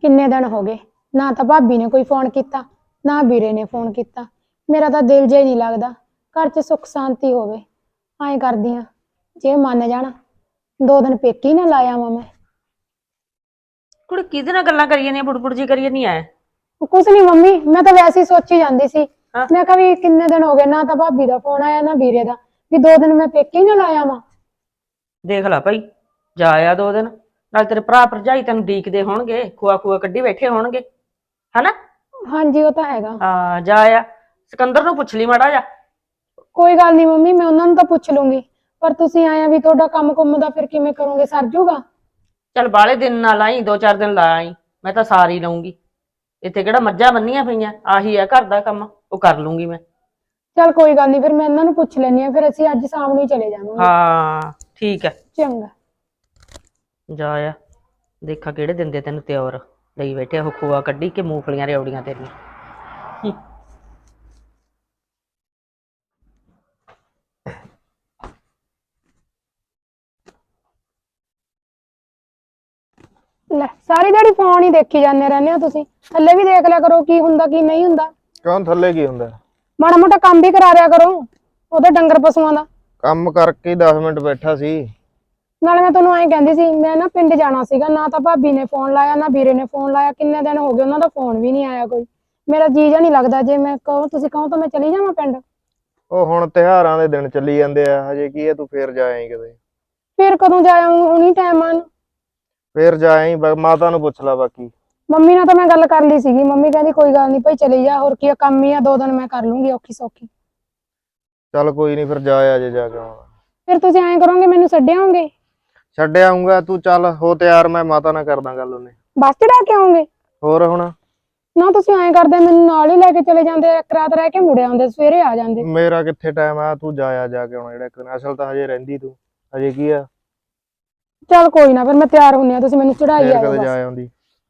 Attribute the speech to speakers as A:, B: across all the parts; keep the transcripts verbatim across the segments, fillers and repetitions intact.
A: ਕਿੰਨੇ ਦਿਨ ਹੋ ਗਏ ਨਾ ਤਾਂ ਭਾਬੀ ਨੇ ਕੋਈ ਫੋਨ ਕੀਤਾ ਨਾ ਵੀਰੇ ਨੇ ਫੋਨ ਕੀਤਾ। ਮੇਰਾ ਤਾਂ ਦਿਲ ਜਿਹਾ ਹੀ ਨਹੀਂ ਲੱਗਦਾ, ਘਰ 'ਚ ਸੁੱਖ ਸ਼ਾਂਤੀ ਹੋਵੇ। ਐਂ ਕਰਦੀ ਆ ਜੇ ਮੰਨ ਜਾਣ ਦੋ ਦਿਨ ਪੇਕੇ ਹੀ ਨਾ ਲਾ ਆਵਾਂ ਮੈਂ।
B: ਕੁੜੇ ਕਿਹਦੇ ਨਾਲ ਗੱਲਾਂ ਕਰੀ ਜਾਂਦੀਆਂ, ਬੁੜਬੁੜ ਜੀ ਕਰੀ ਜਾਂਦੀ ਐ?
A: ਕੁਛ ਨਹੀਂ ਮੰਮੀ, ਮੈਂ ਤਾਂ ਵੈਸੇ ਹੀ ਸੋਚੀ ਜਾਂਦੀ ਸੀ।
B: ਹਾਂ
A: ਮੈਂ ਕਿਹਾ ਵੀ ਕਿੰਨੇ ਦਿਨ ਹੋ ਗਏ ਨਾ ਤਾਂ ਭਾਬੀ ਦਾ ਫੋਨ ਆਇਆ ਨਾ ਵੀਰੇ ਦਾ, ਵੀ ਦੋ ਦਿਨ ਮੈਂ ਪੇਕੇ ਹੀ ਨਾ ਲਾ ਆਵਾਂ।
B: ਦੇਖ ਲੈ ਭਾਈ, ਜਾ ਆ ਦੋ ਦਿਨ, ਨਾਲ ਤੇਰੇ ਭਰਾ ਭਰਜਾਈ ਤੈਨੂੰ ਡੀਕਦੇ ਹੋਣਗੇ, ਖੁਆ ਖੁਆ ਕੱਢੀ ਬੈਠੇ ਹੋਣਗੇ, ਹਨਾ?
A: ਹਾਂਜੀ ਉਹ ਤਾਂ ਹੈਗਾ।
B: ਹਾਂ ਜਾ ਆ। ਸਿਕੰਦਰ ਨੂੰ ਪੁੱਛ ਲਈ ਮਾੜਾ ਜਾ।
A: ਕੋਈ ਗੱਲ ਨਹੀਂ ਮੰਮੀ, ਮੈਂ ਉਹਨਾਂ ਨੂੰ ਤਾਂ ਪੁੱਛ ਲੂੰਗੀ, ਪਰ ਤੁਸੀਂ ਆਇਆ ਵੀ ਤੁਹਾਡਾ ਕੰਮ ਕੁੰਮ ਦਾ ਫਿਰ ਕਿਵੇਂ ਕਰੋਗੇ, ਸਰ ਜੂਗਾ?
B: ਚੱਲ ਬਾਹਲੇ ਦਿਨ ਨਾ ਲਾਈ, ਦੋ ਚਾਰ ਦਿਨ ਲਾ ਆਈ, ਮੈਂ ਤਾਂ ਸਾਰੀ ਲਊਂਗੀ। ਇੱਥੇ ਕਿਹੜਾ ਮੱਝਾਂ ਬੰਨੀਆਂ ਪਈਆਂ, ਆਹੀ ਆ ਘਰ ਦਾ ਕੰਮ, ਉਹ ਕਰ ਲੂੰਗੀ ਮੈਂ।
A: ਚੱਲ ਕੋਈ ਗੱਲ ਨਹੀਂ, ਫਿਰ ਮੈਂ ਇਹਨਾਂ ਨੂੰ ਪੁੱਛ ਲੈਣੀ ਆ, ਫਿਰ ਅਸੀਂ ਅੱਜ ਸ਼ਾਮ ਨੂੰ ਹੀ ਚਲੇ ਜਾਵਾਂਗੇ।
B: ਹਾਂ ਠੀਕ ਹੈ।
A: ਚੰਗਾ।
B: ਜਾ ਆ, ਦੇਖਾ ਕਿਹੜੇ ਦਿੰਦੇ ਤੈਨੂੰ ਤਿਉਰ ਲਈ ਬੈਠੇ ਉਹ, ਖੋਆ ਕੱਢੀ ਕਿ ਮੂੰਗਫਲੀਆਂ ਰਿਉੜੀਆਂ ਤੇਰੀਆਂ।
A: ਲੈ ਸਾਰੀ ਦਿਹਾੜੀ ਫੋਨ ਹੀ ਦੇਖੀ ਜਾਂਦੇ ਰਹਿੰਦੇ ਹੋ ਤੁਸੀਂ, ਥੱਲੇ ਵੀ ਦੇਖ ਲਿਆ ਕਰੋ ਕੀ ਹੁੰਦਾ ਕੀ ਨਹੀਂ ਹੁੰਦਾ।
C: ਕਿਉਂ ਥੱਲੇ ਕੀ ਹੁੰਦਾ?
A: ਮਾੜਾ ਮੋਟਾ ਕੰਮ ਵੀ ਕਰਾ ਦਿਆ ਕਰੋ ਉਹਦੇ ਡੰਗਰ ਪਸ਼ੂਆਂ ਦਾ।
C: ਕੰਮ ਕਰਕੇ ਹੀ ਦਸ ਮਿੰਟ ਬੈਠਾ ਸੀ।
A: ਨਾਲੇ ਮੈਂ ਤੁਹਾਨੂੰ ਐਂ ਕਹਿੰਦੀ ਸੀ, ਮੈਂ ਨਾ ਪਿੰਡ ਜਾਣਾ ਸੀਗਾ, ਨਾ ਤਾਂ ਭਾਬੀ ਨੇ ਫੋਨ ਲਾਇਆ ਨਾ ਵੀਰੇ ਨੇ ਫੋਨ ਲਾਇਆ, ਕਿੰਨੇ ਦਿਨ ਹੋ ਗਏ ਉਹਨਾਂ ਦਾ ਫੋਨ ਵੀ ਨਹੀਂ ਆਇਆ ਕੋਈ। ਮੇਰਾ ਜੀ ਜਾ ਨਹੀਂ ਲੱਗਦਾ, ਜੇ ਮੈਂ ਕਹੋ ਤੁਸੀਂ ਕਹੋ ਤਾਂ ਮੈਂ ਚਲੀ ਜਾਵਾਂ ਪਿੰਡ।
C: ਉਹ ਹੁਣ ਤਿਉਹਾਰਾਂ ਦੇ ਦਿਨ ਚੱਲੀ ਜਾਂਦੇ ਆ, ਹਜੇ ਕੀ ਹੈ, ਤੂੰ ਫੇਰ ਜਾ ਆਈ ਕਿਤੇ।
A: ਫਿਰ ਕਦੋਂ ਜਾਇਆ ਹੁਣੀ ਟਾਈਮ ਆਨ।
C: ਫੇਰ ਜਾ ਆਈ, ਮਾਤਾ ਨੂੰ ਪੁੱਛ ਲਾ ਬਾਕੀ।
A: ਮੰਮੀ ਨਾਲ ਤਾਂ ਮੈਂ ਗੱਲ ਕਰ ਲਈ ਸੀਗੀ, ਮੰਮੀ ਕਹਿੰਦੀ ਕੋਈ ਗੱਲ ਨਹੀਂ ਭਾਈ ਚਲੀ ਜਾ, ਹੋਰ ਕੀ ਆ, ਕੰਮ ਹੀ ਆ, ਦੋ ਦਿਨ ਮੈਂ ਕਰ ਲੂੰਗੀ ਔਖੀ ਸੌਖੀ।
C: ਚੱਲ ਕੋਈ ਨਹੀਂ, ਫਿਰ ਜਾ ਆ ਜੇ ਜਾ ਕੇ ਆਉਣਾ।
A: ਫਿਰ ਤੁਸੀਂ ਐਂ ਕਰੋਗੇ ਮੈਨੂੰ ਛੱਡਿਆਓਗੇ?
C: ਛੱਡ ਆਊਂਗਾ, ਤੂੰ ਚੱਲ ਹੋ ਤਿਆਰ, ਮੈਂ ਮਾਤਾ ਨਾਲ ਕਰਦਾ ਗੱਲ ਉਹਨੇ।
A: ਬੱਸ ਚੜਾ ਕੇ ਆਓਗੇ?
C: ਹੋਰ ਹੁਣ
A: ਨਾ ਤੁਸੀਂ ਐਂ ਕਰਦੇ ਮੈਨੂੰ ਨਾਲ ਹੀ ਲੈ ਕੇ ਚਲੇ ਜਾਂਦੇ, ਇੱਕ ਰਾਤ ਰਹਿ ਕੇ ਮੁੜ ਆਉਂਦੇ, ਸਵੇਰੇ ਆ ਜਾਂਦੇ।
C: ਮੇਰਾ ਕਿੱਥੇ ਟਾਈਮ ਆ, ਤੂੰ ਜਾ ਆ ਜਾ ਕੇ ਆਉਣਾ, ਜਿਹੜਾ ਇੱਕ ਅਸਲ ਤਾਂ ਹਜੇ ਰਹਿੰਦੀ ਤੂੰ, ਹਜੇ ਕੀ ਆ।
A: ਚੱਲ ਕੋਈ ਨਾ, ਫਿਰ ਮੈਂ ਤਿਆਰ ਹੁੰਨੀ ਆ, ਤੁਸੀਂ ਮੈਨੂੰ ਚੜਾਈ
C: ਫੇਰ
A: ਆਇਓ
C: ਕਦੇ
A: ਬਸ।
C: ਜਾ ਆਉਂਦੀ।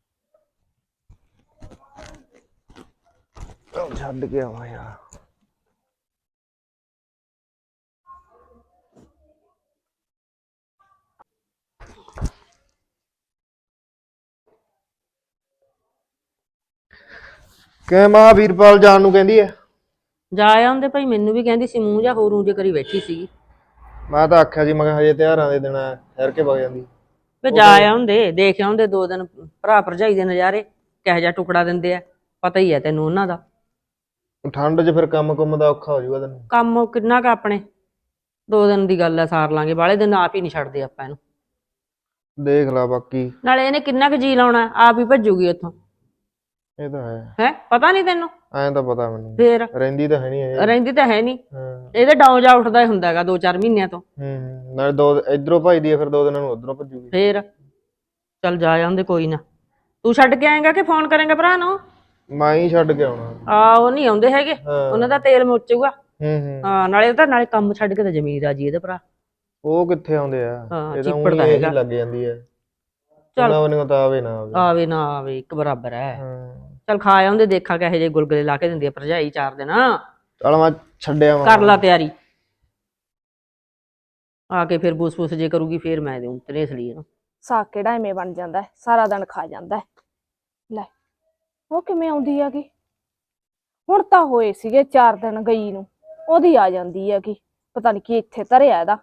C: ਛੱਡ ਕੇ ਆਵਾਂ ਯਾਰ। ਕਿ ਮਾਂ ਵੀਰਪਾਲ ਜਾਣ ਨੂੰ ਕਹਿੰਦੀ ਐ?
B: ਜਾ ਆਉਂਦੇ ਭਾਈ, ਮੈਨੂੰ ਵੀ ਕਹਿੰਦੀ ਸੀ, ਮੂੰਹ ਜਾ ਹੋਰ ਉਂਝ ਕਰੀ ਬੈਠੀ ਸੀਗੀ।
C: ਮੈਂ ਤਾਂ ਆਖਿਆ ਸੀ, ਮੈਂ ਕਿਹਾ ਹਜੇ ਤਿਉਹਾਰਾਂ ਦੇ ਦਿਨ ਆ, ਠਹਿਰ ਕੇ ਵਗ ਜਾਂਦੀ।
B: ਵੇ ਜਾ ਆਉਂਦੇ, ਦੇਖ ਆਉਂਦੇ ਦੋ ਦਿਨ ਭਰਾ ਭਰਜਾਈ ਦੇ ਨਜ਼ਾਰੇ, ਕਿਹੋ ਜਿਹਾ ਟੁਕੜਾ ਦਿੰਦੇ ਆ, ਪਤਾ ਹੀ ਹੈ ਤੈਨੂੰ ਉਹਨਾਂ ਦਾ।
C: ਠੰਡ 'ਚ ਫਿਰ ਕੰਮ ਕੁੰਮ ਦਾ ਔਖਾ ਹੋ ਜਾਊਗਾ ਤੈਨੂੰ।
B: ਕੰਮ ਕਿੰਨਾ ਕੁ ਆਪਣੇ, ਦੋ ਦਿਨ ਦੀ ਗੱਲ ਆ, ਸਾਰ ਲਾਂਗੇ, ਬਾਹਲੇ ਦਿਨ ਆਪ ਹੀ ਨਹੀਂ ਛੱਡਦੇ ਆਪਾਂ ਇਹਨੂੰ।
C: ਦੇਖ ਲਾ ਬਾਕੀ।
B: ਨਾਲੇ ਇਹਨੇ ਕਿੰਨਾ ਕੁ ਜੀ ਲਾਉਣਾ, ਆਪ ਹੀ ਭੱਜੂਗੀ ਉੱਥੋਂ।
C: ਇਹ ਤਾਂ ਹੈ।
B: ਹੈ ਪਤਾ ਨਹੀਂ ਤੈਨੂੰ?
C: ਐਂ ਤਾਂ ਪਤਾ ਮੈਨੂੰ,
B: ਫੇਰ
C: ਰਹਿੰਦੀ ਤਾਂ ਹੈ ਨਹੀਂ ਇਹ।
B: ਰਹਿੰਦੀ ਤਾਂ ਹੈ ਨਹੀਂ,
C: ਹਾਂ।
B: ਇਹਦੇ ਡਾਉਂ ਜਾ ਉੱਠਦਾ ਹੀ ਹੁੰਦਾ ਹੈਗਾ ਦੋ ਚਾਰ ਮਹੀਨਿਆਂ ਤੋਂ।
C: ਹੂੰ, ਨਾਲੇ ਦੋ ਇਧਰੋਂ ਭੱਜਦੀ ਆ, ਫਿਰ ਦੋ ਦਿਨਾਂ ਨੂੰ ਉਧਰੋਂ ਭੱਜੂਗੀ।
B: ਫੇਰ ਚੱਲ ਜਾ ਆਉਂਦੇ, ਕੋਈ ਨਾ। ਤੂੰ ਛੱਡ ਕੇ ਆਏਗਾ ਕਿ ਫੋਨ ਕਰੇਗਾ ਭਰਾ ਨੂੰ?
C: ਮੈਂ ਹੀ ਛੱਡ ਕੇ ਆਉਣਾ।
B: ਆ ਉਹ ਨਹੀਂ ਆਉਂਦੇ ਹੈਗੇ, ਉਹਨਾਂ ਦਾ ਤੇਲ ਮੁੱਚੂਗਾ।
C: ਹੂੰ ਹੂੰ।
B: ਹਾਂ ਨਾਲੇ ਉਹ ਤਾਂ ਨਾਲੇ ਕੰਮ ਛੱਡ ਕੇ ਤਾਂ ਜ਼ਮੀਨ ਰਾਜੀ ਇਹਦੇ ਭਰਾ।
C: ਉਹ ਕਿੱਥੇ ਆਉਂਦੇ ਆ,
B: ਹਾਂ,
C: ਇਹ ਤਾਂ
B: ਚਿੱਪੜ
C: ਊਂ
B: ਤਾਂ
C: ਹੀ
B: ਹੈਗਾ।
C: ਲੱਗ ਜਾਂਦੀ ਹੈ।
B: ਚੱਲ
C: ਉਹਨਾਂ ਵੱਲੋਂ ਤਾਂ ਆਵੇ ਨਾ ਆਵੇ।
B: ਆਵੇ ਨਾ ਆਵੇ ਇੱਕ ਬਰਾਬਰ ਹੈ।
C: ਹਾਂ
B: ਚੱਲ ਖਾ ਆਉਂਦੇ, ਦੇਖਾ ਕਿਹੋ ਜਿਹੇ ਗੁਲਗੁਲੇ ਲਾ ਕੇ ਦਿੰਦੀ ਆ ਭਰਜਾਈ ਚਾਰ ਦਿਨ।
C: ਚੱਲ ਮੈਂ ਛੱਡਿਆ ਵਾ।
B: ਕਰ ਲਾ ਤਿਆਰੀ, ਆ ਕੇ ਫਿਰ ਬੂਸ ਬੂਸ ਜੇ ਕਰੂਗੀ, ਫੇਰ ਮੈਂ ਦੇਉਂ ਤੇਰੇ ਇਸ ਲਈ ਇਹਨੂੰ।
D: ਸਾਗ ਕਿਹੜਾ ਐਵੇਂ ਬਣ ਜਾਂਦਾ, ਸਾਰਾ ਦਿਨ ਖਾ ਜਾਂਦਾ। ਲੈ ਉਹ ਕਿਵੇਂ ਆਉਂਦੀ ਹੈਗੀ, ਹੁਣ ਤਾਂ ਹੋਏ ਸੀਗੇ ਚਾਰ ਦਿਨ ਗਈ ਨੂੰ, ਉਹਦੀ ਆ ਜਾਂਦੀ ਹੈਗੀ, ਪਤਾ ਨੀ ਕੀ ਇੱਥੇ ਧਰਿਆ ਇਹਦਾ।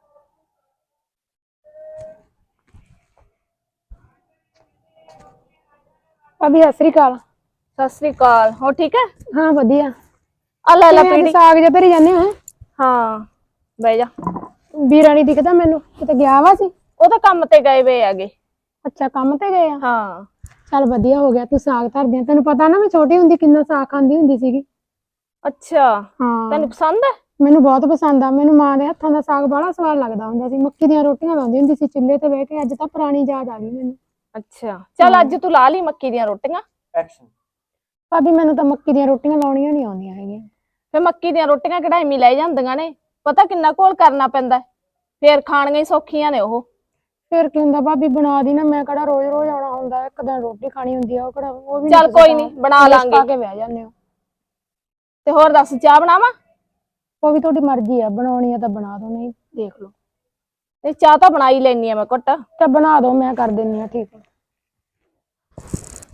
A: ਭਾਬੀ ਸਤਿ ਸ੍ਰੀ ਅਕਾਲ।
D: ਸਤਿ ਸ੍ਰੀ ਅਕਾਲ, ਹੋ ਠੀਕ ਹੈ?
A: ਹਾਂ ਵਧੀਆ।
D: ਆ ਲੈ ਲੈ
A: ਕਿਵੇਂ ਅੱਜ
D: ਪੀੜੀ।
A: ਸਾਗ ਜਿਹਾ ਧਰੀ ਜਾਂਦੇ ਹੋ?
D: ਹਾਂ ਬਹਿ ਜਾ।
A: ਵੀਰਾ ਨੀ ਦਿਖਦਾ ਮੈਨੂੰ, ਕਿਤੇ ਗਿਆ ਵਾ ਸੀ?
D: ਉਹ ਤਾਂ ਕੰਮ ਤੇ ਗਏ ਵੇ ਹੈਗੇ।
A: ਅੱਛਾ ਕੰਮ ਤੇ ਗਏ ਆ।
D: ਹਾਂ
A: ਚੱਲ ਵਧੀਆ ਹੋ ਗਿਆ ਤੂੰ ਸਾਗ ਧਰਦੀ ਆ, ਤੈਨੂੰ ਪਤਾ ਨਾ ਮੈਂ ਛੋਟੀ ਹੁੰਦੀ ਕਿੰਨਾ ਸਾਗ ਖਾਂਦੀ ਹੁੰਦੀ ਸੀਗੀ।
D: ਅੱਛਾ
A: ਹਾਂ
D: ਤੈਨੂੰ ਪਸੰਦ ਹੈ?
A: ਮੈਨੂੰ ਬਹੁਤ ਪਸੰਦ ਆ, ਮੈਨੂੰ ਮਾਂ ਦੇ ਹੱਥਾਂ ਦਾ ਸਾਗ ਬੜਾ ਸਵਾਦ ਲੱਗਦਾ ਹੁੰਦਾ ਸੀ। ਮੱਕੀ ਦੀਆਂ ਰੋਟੀਆਂ ਲਾਉਂਦੀ ਹੁੰਦੀ ਸੀ ਚੁੱਲ੍ਹੇ ਤੇ ਬਹਿ ਕੇ, ਅੱਜ ਤਾਂ ਪੁਰਾਣੀ ਯਾਦ ਆ ਗਈ ਮੈਨੂੰ।
D: ਅੱਛਾ ਚੱਲ ਅੱਜ ਤੂੰ ਲਾ ਲਈ ਮੱਕੀ ਦੀਆਂ ਰੋਟੀਆਂ।
A: ਭਾਬੀ ਮੈਨੂੰ ਤਾਂ ਮੱਕੀ ਦੀਆਂ ਰੋਟੀਆਂ ਲਾਉਣੀਆਂ ਨਹੀਂ ਆਉਂਦੀਆਂ ਹੈਗੀਆਂ।
D: ਫੇ ਮੱਕੀ ਦੀਆਂ ਰੋਟੀਆਂ ਕਿਹੜਾ ਐਵੇਂ ਲੈ ਜਾਂਦੀਆਂ ਨੇ, ਪਤਾ ਕਿੰਨਾ ਘੋਲ ਕਰਨਾ ਪੈਂਦਾ, ਫੇਰ ਖਾਣੀਆਂ ਹੀ ਸੌਖੀਆਂ ਨੇ ਉਹ।
A: ਫਿਰ ਕੀ ਹੁੰਦਾ ਭਾਬੀ, ਬਣਾ ਦੀ ਨਾ, ਮੈਂ ਕਿਹੜਾ ਰੋਜ਼ ਰੋਜ਼ ਆਉਣਾ ਹੁੰਦਾ, ਇੱਕ ਦਿਨ ਰੋਟੀ ਖਾਣੀ ਹੁੰਦੀ ਆ, ਉਹ ਕਿਹੜਾ ਉਹ ਵੀ
D: ਚੱਲ ਕੋਈ ਨੀ ਬਣਾ ਲਾਂਗੇ।
A: ਪਾ ਕੇ ਬਹਿ ਜਾਂਦੇ ਹੋ।
D: ਤੇ ਹੋਰ ਦੱਸ ਚਾਹ ਬਣਾਵਾਂ?
A: ਉਹ ਵੀ ਤੁਹਾਡੀ ਮਰਜ਼ੀ ਆ, ਬਣਾਉਣੀ ਆ ਤਾਂ ਬਣਾ ਦੋ, ਨਹੀਂ ਦੇਖ ਲਓ।
D: ਇਹ ਚਾਹ ਤਾਂ ਬਣਾ ਹੀ ਲੈਣੀ ਆ ਮੈਂ ਘੁੱਟ।
A: ਤਾਂ ਬਣਾ ਦੋ, ਮੈਂ ਕਰ ਦਿੰਨੀ ਆ। ਠੀਕ ਹੈ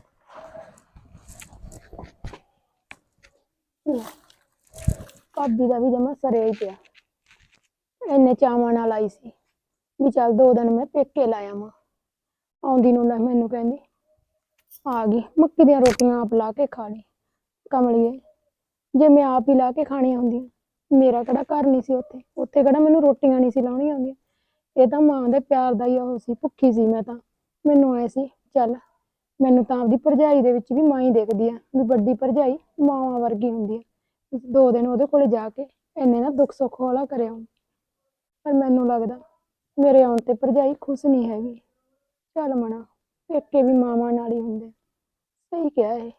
A: ਭਾਬੀ ਦਾ ਵੀ ਜਮਾ ਸਰੇ ਹੀ ਪਿਆ। ਇੰਨੇ ਚਾਵਾਂ ਨਾਲ ਆਈ ਸੀ ਵੀ ਚੱਲ ਦੋ ਦਿਨ ਮੈਂ ਪੇਕੇ ਲਾ ਆਵਾਂ। ਆਉਂਦੀ ਨੂੰ ਲੈ ਮੈਨੂੰ ਕਹਿੰਦੀ ਆ ਗਈ ਮੱਕੀ ਦੀਆਂ ਰੋਟੀਆਂ ਆਪ ਲਾ ਕੇ ਖਾ ਲਈ। ਕਮਲੀਏ, ਜੇ ਮੈਂ ਆਪ ਹੀ ਲਾ ਕੇ ਖਾਣੀਆਂ ਹੁੰਦੀਆਂ, ਮੇਰਾ ਕਿਹੜਾ ਘਰ ਨਹੀਂ ਸੀ ਉੱਥੇ ਉੱਥੇ ਕਿਹੜਾ ਮੈਨੂੰ ਰੋਟੀਆਂ ਨਹੀਂ ਸੀ ਲਾਉਣੀਆਂ ਆਉਂਦੀਆਂ। ਇਹ ਤਾਂ ਮਾਂ ਦੇ ਪਿਆਰ ਦਾ ਹੀ ਉਹ ਸੀ, ਭੁੱਖੀ ਸੀ ਮੈਂ ਤਾਂ। ਮੈਨੂੰ ਐ ਸੀ ਚੱਲ ਮੈਨੂੰ ਤਾਂ ਆਪਦੀ ਭਰਜਾਈ ਦੇ ਵਿੱਚ ਵੀ ਮਾਂ ਹੀ ਦੇਖਦੀ ਆ ਵੀ ਵੱਡੀ ਭਰਜਾਈ ਮਾਵਾਂ ਵਰਗੀ ਹੁੰਦੀ ਆ। ਦੋ ਦਿਨ ਉਹਦੇ ਕੋਲੇ ਜਾ ਕੇ ਇੰਨੇ ਨਾ ਦੁੱਖ ਸੁੱਖ ਹੌਲਾ ਕਰਿਆ। ਪਰ ਮੈਨੂੰ ਲੱਗਦਾ ਮੇਰੇ ਆਉਣ ਤੇ ਭਰਜਾਈ ਖੁਸ਼ ਨਹੀਂ ਹੈਗੀ। ਚੱਲ ਮਣਾ, ਪੇਕੇ ਵੀ ਮਾਵਾਂ ਨਾਲ ਹੀ ਹੁੰਦੇ। ਸਹੀ ਕਿਹਾ ਇਹ।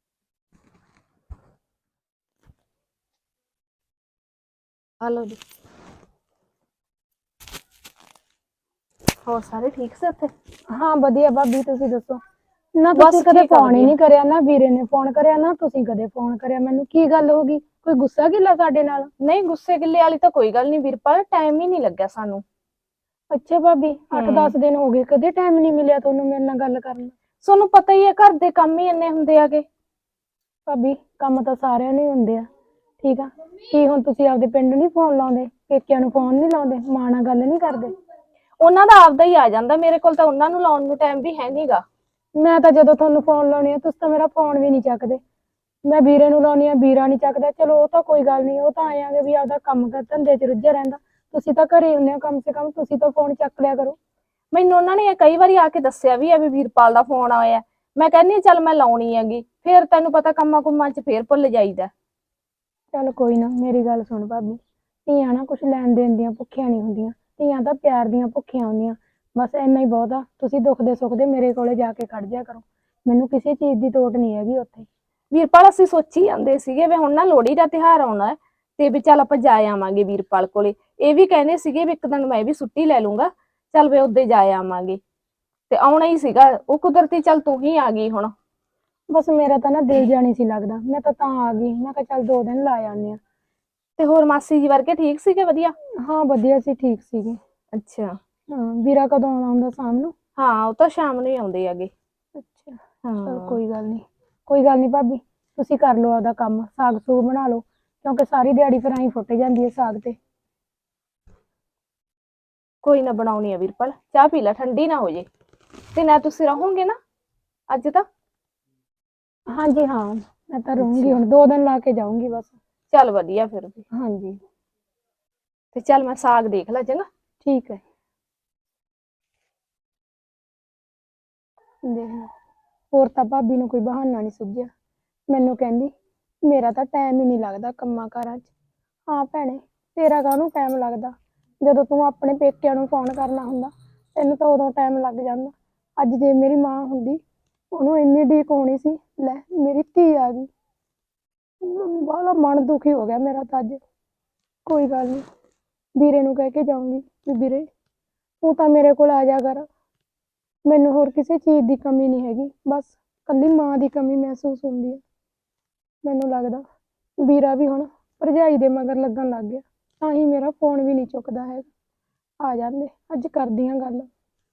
D: ਹਲੋ ਜੀ। ਹੋਰ ਸਾਰੇ ਠੀਕ ਸੀ ਉੱਥੇ?
A: ਹਾਂ ਵਧੀਆ ਭਾਬੀ, ਤੁਸੀਂ ਦੱਸੋ? ਨਾ
D: ਬਸ
A: ਤੁਸੀਂ ਕਦੇ
D: ਠੀਕ ਆ,
A: ਫੋਨ ਹੀ
D: ਵਧੀਆ।
A: ਨਹੀਂ ਕਰਿਆ, ਨਾ ਵੀਰੇ ਨੇ ਫੋਨ ਕਰਿਆ, ਨਾ ਤੁਸੀਂ ਕਦੇ ਫੋਨ ਕਰਿਆ ਮੈਨੂੰ। ਕੀ ਗੱਲ ਹੋ ਗਈ? ਕੋਈ ਗੁੱਸਾ ਗਿੱਲਾ ਸਾਡੇ ਨਾਲ?
D: ਨਹੀਂ, ਗੁੱਸੇ ਗਿੱਲੇ ਵਾਲੀ ਤਾਂ ਕੋਈ ਗੱਲ ਨਹੀਂ ਵੀਰਪਾਲ, ਟਾਈਮ ਹੀ ਨਹੀਂ ਲੱਗਿਆ ਸਾਨੂੰ।
A: ਅੱਛਾ ਭਾਬੀ, ਅੱਠ
D: ਹਮ।
A: ਦਸ ਦਿਨ ਹੋ ਗਏ, ਕਦੇ ਟਾਈਮ ਨਹੀਂ ਮਿਲਿਆ ਤੁਹਾਨੂੰ ਮੇਰੇ ਨਾਲ ਗੱਲ ਕਰਨ ਦਾ?
D: ਤੁਹਾਨੂੰ ਪਤਾ ਹੀ ਹੈ ਘਰ ਦੇ ਕੰਮ ਹੀ ਇੰਨੇ ਹੁੰਦੇ ਆਗੇ।
A: ਭਾਬੀ ਕੰਮ ਤਾਂ ਸਾਰਿਆਂ ਨੂੰ ਹੀ ਹੁੰਦੇ ਆ, ਠੀਕ ਆ। ਕੀ ਹੁਣ ਤੁਸੀਂ ਆਪਦੇ ਪਿੰਡ ਨਹੀਂ ਫੋਨ ਲਾਉਂਦੇ, ਪੇਕਿਆਂ ਨੂੰ ਫੋਨ ਨਹੀਂ ਲਾਉਂਦੇ, ਮਾਂ ਨਾਲ ਗੱਲ ਨਹੀਂ ਕਰਦੇ?
D: ਉਹਨਾਂ ਦਾ ਆਪਦਾ ਹੀ ਆ ਜਾਂਦਾ, ਮੇਰੇ ਕੋਲ ਤਾਂ ਉਹਨਾਂ ਨੂੰ ਲਾਉਣ ਨੂੰ ਟਾਈਮ ਵੀ ਹੈ ਨਹੀਂਗਾ।
A: ਮੈਂ ਤਾਂ ਜਦੋਂ ਤੁਹਾਨੂੰ ਫੋਨ ਲਾਉਣੀ ਆ ਤੁਸੀਂ ਤਾਂ ਮੇਰਾ ਫੋਨ ਵੀ ਨਹੀਂ ਚੱਕਦੇ। ਮੈਂ ਵੀਰੇ ਨੂੰ ਲਾਉਣੀ ਆ, ਵੀਰਾ ਨਹੀਂ ਚੱਕਦਾ। ਚਲੋ ਉਹ ਤਾਂ ਕੋਈ ਗੱਲ ਨਹੀਂ, ਉਹ ਤਾਂ ਆਏਗੇ ਵੀ ਆਪਦਾ ਕੰਮ ਕਰ ਧੰਦੇ 'ਚ ਰੁੱਝਿਆ ਰਹਿੰਦਾ। ਤੁਸੀਂ ਤਾਂ ਘਰੇ ਹੁੰਦੇ ਹੋ, ਕਮ ਸੇ ਕਮ ਤੁਸੀਂ ਤਾਂ ਫੋਨ ਚੱਕ ਲਿਆ ਕਰੋ।
D: ਮੈਨੂੰ ਉਹਨਾਂ ਨੇ ਕਈ ਵਾਰੀ ਆ ਕੇ ਦੱਸਿਆ ਵੀ ਆ ਵੀ ਵੀਰਪਾਲ ਦਾ ਫੋਨ ਆਇਆ। ਮੈਂ ਕਹਿੰਦੀ ਚੱਲ ਮੈਂ ਲਾਉਣੀ ਹੈਗੀ, ਫੇਰ ਤੈਨੂੰ ਪਤਾ ਕੰਮਾਂ ਕੁੰਮਾਂ 'ਚ ਫੇਰ ਭੁੱਲ ਜਾਈਦਾ।
A: ਚੱਲ ਕੋਈ ਨਾ, ਮੇਰੀ ਗੱਲ ਸੁਣ ਭਾਬੀ, ਧੀਆਂ ਨਾ ਕੁਛ ਲੈਣ ਦੇਣ ਦੀਆਂ ਭੁੱਖੀਆਂ ਨਹੀਂ ਹੁੰਦੀਆਂ, ਧੀਆਂ ਤਾਂ ਪਿਆਰ ਦੀਆਂ ਭੁੱਖੀਆਂ ਹੁੰਦੀਆਂ। ਬਸ ਇੰਨਾ ਹੀ ਬਹੁਤ ਆ। ਤੁਸੀਂ ਦੁੱਖ ਦੇ ਸੁੱਖ ਦੇ ਮੇਰੇ ਕੋਲੇ ਜਾ ਕੇ ਖੜ ਜਿਆ ਕਰੋ, ਮੈਨੂੰ ਕਿਸੇ ਚੀਜ਼ ਦੀ ਤੋਟ ਨਹੀਂ ਹੈਗੀ ਉੱਥੇ।
D: ਵੀਰਪਾਲ ਅਸੀਂ ਸੋਚੀ ਜਾਂਦੇ ਸੀਗੇ ਵੀ ਹੁਣ ਨਾ ਲੋਹੜੀ ਦਾ ਤਿਉਹਾਰ ਆਉਣਾ ਹੈ ਤੇ ਵੀ ਚੱਲ ਆਪਾਂ ਜਾ ਆਵਾਂਗੇ ਵੀਰਪਾਲ ਕੋਲੇ। ਇਹ ਵੀ ਕਹਿੰਦੇ ਸੀਗੇ ਵੀ ਇੱਕ ਦਿਨ ਮੈਂ ਵੀ ਛੁੱਟੀ ਲੈ ਲੂੰਗਾ, ਚੱਲ ਵੇ ਉੱਦੇ ਜਾ ਆਵਾਂਗੇ। ਤੇ ਆਉਣਾ ਹੀ ਸੀਗਾ, ਉਹ ਕੁਦਰਤੀ ਚੱਲ ਤੂੰ ਹੀ ਆ ਗਈ ਹੁਣ।
A: ਬਸ ਮੇਰਾ ਤਾਂ ਨਾ ਦਿਲ ਜਾਣੀ ਸੀ ਲੱਗਦਾ, ਮੈਂ ਤਾਂ ਤਾਂ ਆ ਗਈ। ਮੈਂ ਕਿਹਾ ਚੱਲ ਦੋ ਦਿਨ ਲਾ ਆਉਂਦੇ ਆ।
D: ਤੇ ਹੋਰ ਮਾਸੀ ਜੀ ਵਰਗੇ ਠੀਕ ਸੀਗੇ? ਵਧੀਆ।
A: ਹਾਂ ਵਧੀਆ ਸੀ, ਠੀਕ ਸੀਗੇ।
D: ਅੱਛਾ।
A: ਹਾਂ, ਵੀਰਾ ਕਦੋਂ ਆਉਣਾ ਹੁੰਦਾ? ਸ਼ਾਮ ਨੂੰ?
D: ਹਾਂ ਉਹ ਤਾਂ ਸ਼ਾਮ ਨੂੰ ਹੀ ਆਉਂਦੇ ਹੈਗੇ।
A: ਅੱਛਾ, ਚਲ
D: ਹਾਂ
A: ਕੋਈ ਗੱਲ ਨਹੀਂ, ਕੋਈ ਗੱਲ ਨਹੀਂ ਭਾਬੀ, ਤੁਸੀਂ ਕਰ ਲਓ ਆਪਦਾ ਕੰਮ, ਸਾਗ ਸੂਗ ਬਣਾ ਲਓ, ਕਿਉਂਕਿ ਸਾਰੀ ਦਿਹਾੜੀ ਫਿਰ ਆਈ ਫੁੱਟ ਜਾਂਦੀ ਹੈ ਸਾਗ ਤੇ।
D: ਕੋਈ ਨਾ, ਬਣਾਉਣੀ ਆ ਵੀਰਪਾਲ, ਚਾਹ ਪੀ ਲੈ, ਠੰਡੀ ਨਾ ਹੋ ਜੇ। ਤੇ ਨਾ ਤੁਸੀਂ ਰਹੋਗੇ ਨਾ ਅੱਜ ਤਾਂ?
A: ਹਾਂਜੀ ਹਾਂ, ਮੈਂ ਤਾਂ ਰਹੂੰਗੀ,
D: ਅੱਛਾ।
A: ਹੁਣ ਦੋ ਦਿਨ ਲਾ ਕੇ ਜਾਊਂਗੀ ਬਸ।
D: ਚੱਲ ਵਧੀਆ ਫਿਰ ਵੀ।
A: ਹਾਂਜੀ
D: ਤੇ ਚੱਲ ਮੈਂ ਸਾਗ ਦੇਖ ਲਾ ਚੰਗਾ।
A: ਠੀਕ ਹੈ। ਦੇਖ ਲਓ, ਹੋਰ ਤਾਂ ਭਾਬੀ ਨੂੰ ਕੋਈ ਬਹਾਨਾ ਨਹੀਂ ਸੁਝਿਆ। ਮੈਨੂੰ ਕਹਿੰਦੀ ਮੇਰਾ ਤਾਂ ਟਾਈਮ ਹੀ ਨਹੀਂ ਲੱਗਦਾ ਕੰਮਾਂ ਕਾਰਾਂ 'ਚ। ਹਾਂ ਭੈਣੇ, ਤੇਰਾ ਕਾਹਨੂੰ ਟਾਈਮ ਲੱਗਦਾ? ਜਦੋਂ ਤੂੰ ਆਪਣੇ ਪੇਕਿਆਂ ਨੂੰ ਫੋਨ ਕਰਨਾ ਹੁੰਦਾ ਤੈਨੂੰ ਤਾਂ ਉਦੋਂ ਟਾਈਮ ਲੱਗ ਜਾਂਦਾ। ਅੱਜ ਜੇ ਮੇਰੀ ਮਾਂ ਹੁੰਦੀ, ਉਹਨੂੰ ਇੰਨੀ ਉਡੀਕ ਹੋਣੀ ਸੀ, ਲੈ ਮੇਰੀ ਧੀ ਆ ਗਈ। ਬਾਹਲਾ ਮਨ ਦੁਖੀ ਹੋ ਗਿਆ ਮੇਰਾ ਤਾਂ ਅੱਜ। ਕੋਈ ਗੱਲ ਨਹੀਂ, ਵੀਰੇ ਨੂੰ ਕਹਿ ਕੇ ਜਾਊਂਗੀ ਵੀ ਵੀਰੇ ਤੂੰ ਤਾਂ ਮੇਰੇ ਕੋਲ ਆ ਜਾ ਕਰ। ਮੈਨੂੰ ਹੋਰ ਕਿਸੇ ਚੀਜ਼ ਦੀ ਕਮੀ ਨਹੀਂ ਹੈਗੀ, ਬਸ ਕੱਲੀ ਮਾਂ ਦੀ ਕਮੀ ਮਹਿਸੂਸ ਹੁੰਦੀ ਹੈ। ਮੈਨੂੰ ਲੱਗਦਾ ਵੀਰਾ ਵੀ ਹੁਣ ਭਰਜਾਈ ਦੇ ਮਗਰ ਲੱਗਣ ਲੱਗ ਗਿਆ, ਤਾਂ ਹੀ ਮੇਰਾ ਫੋਨ ਵੀ ਨਹੀਂ ਚੁੱਕਦਾ ਹੈਗਾ। ਆ ਜਾਂਦੇ, ਅੱਜ ਕਰਦੀ ਹਾਂ ਗੱਲ।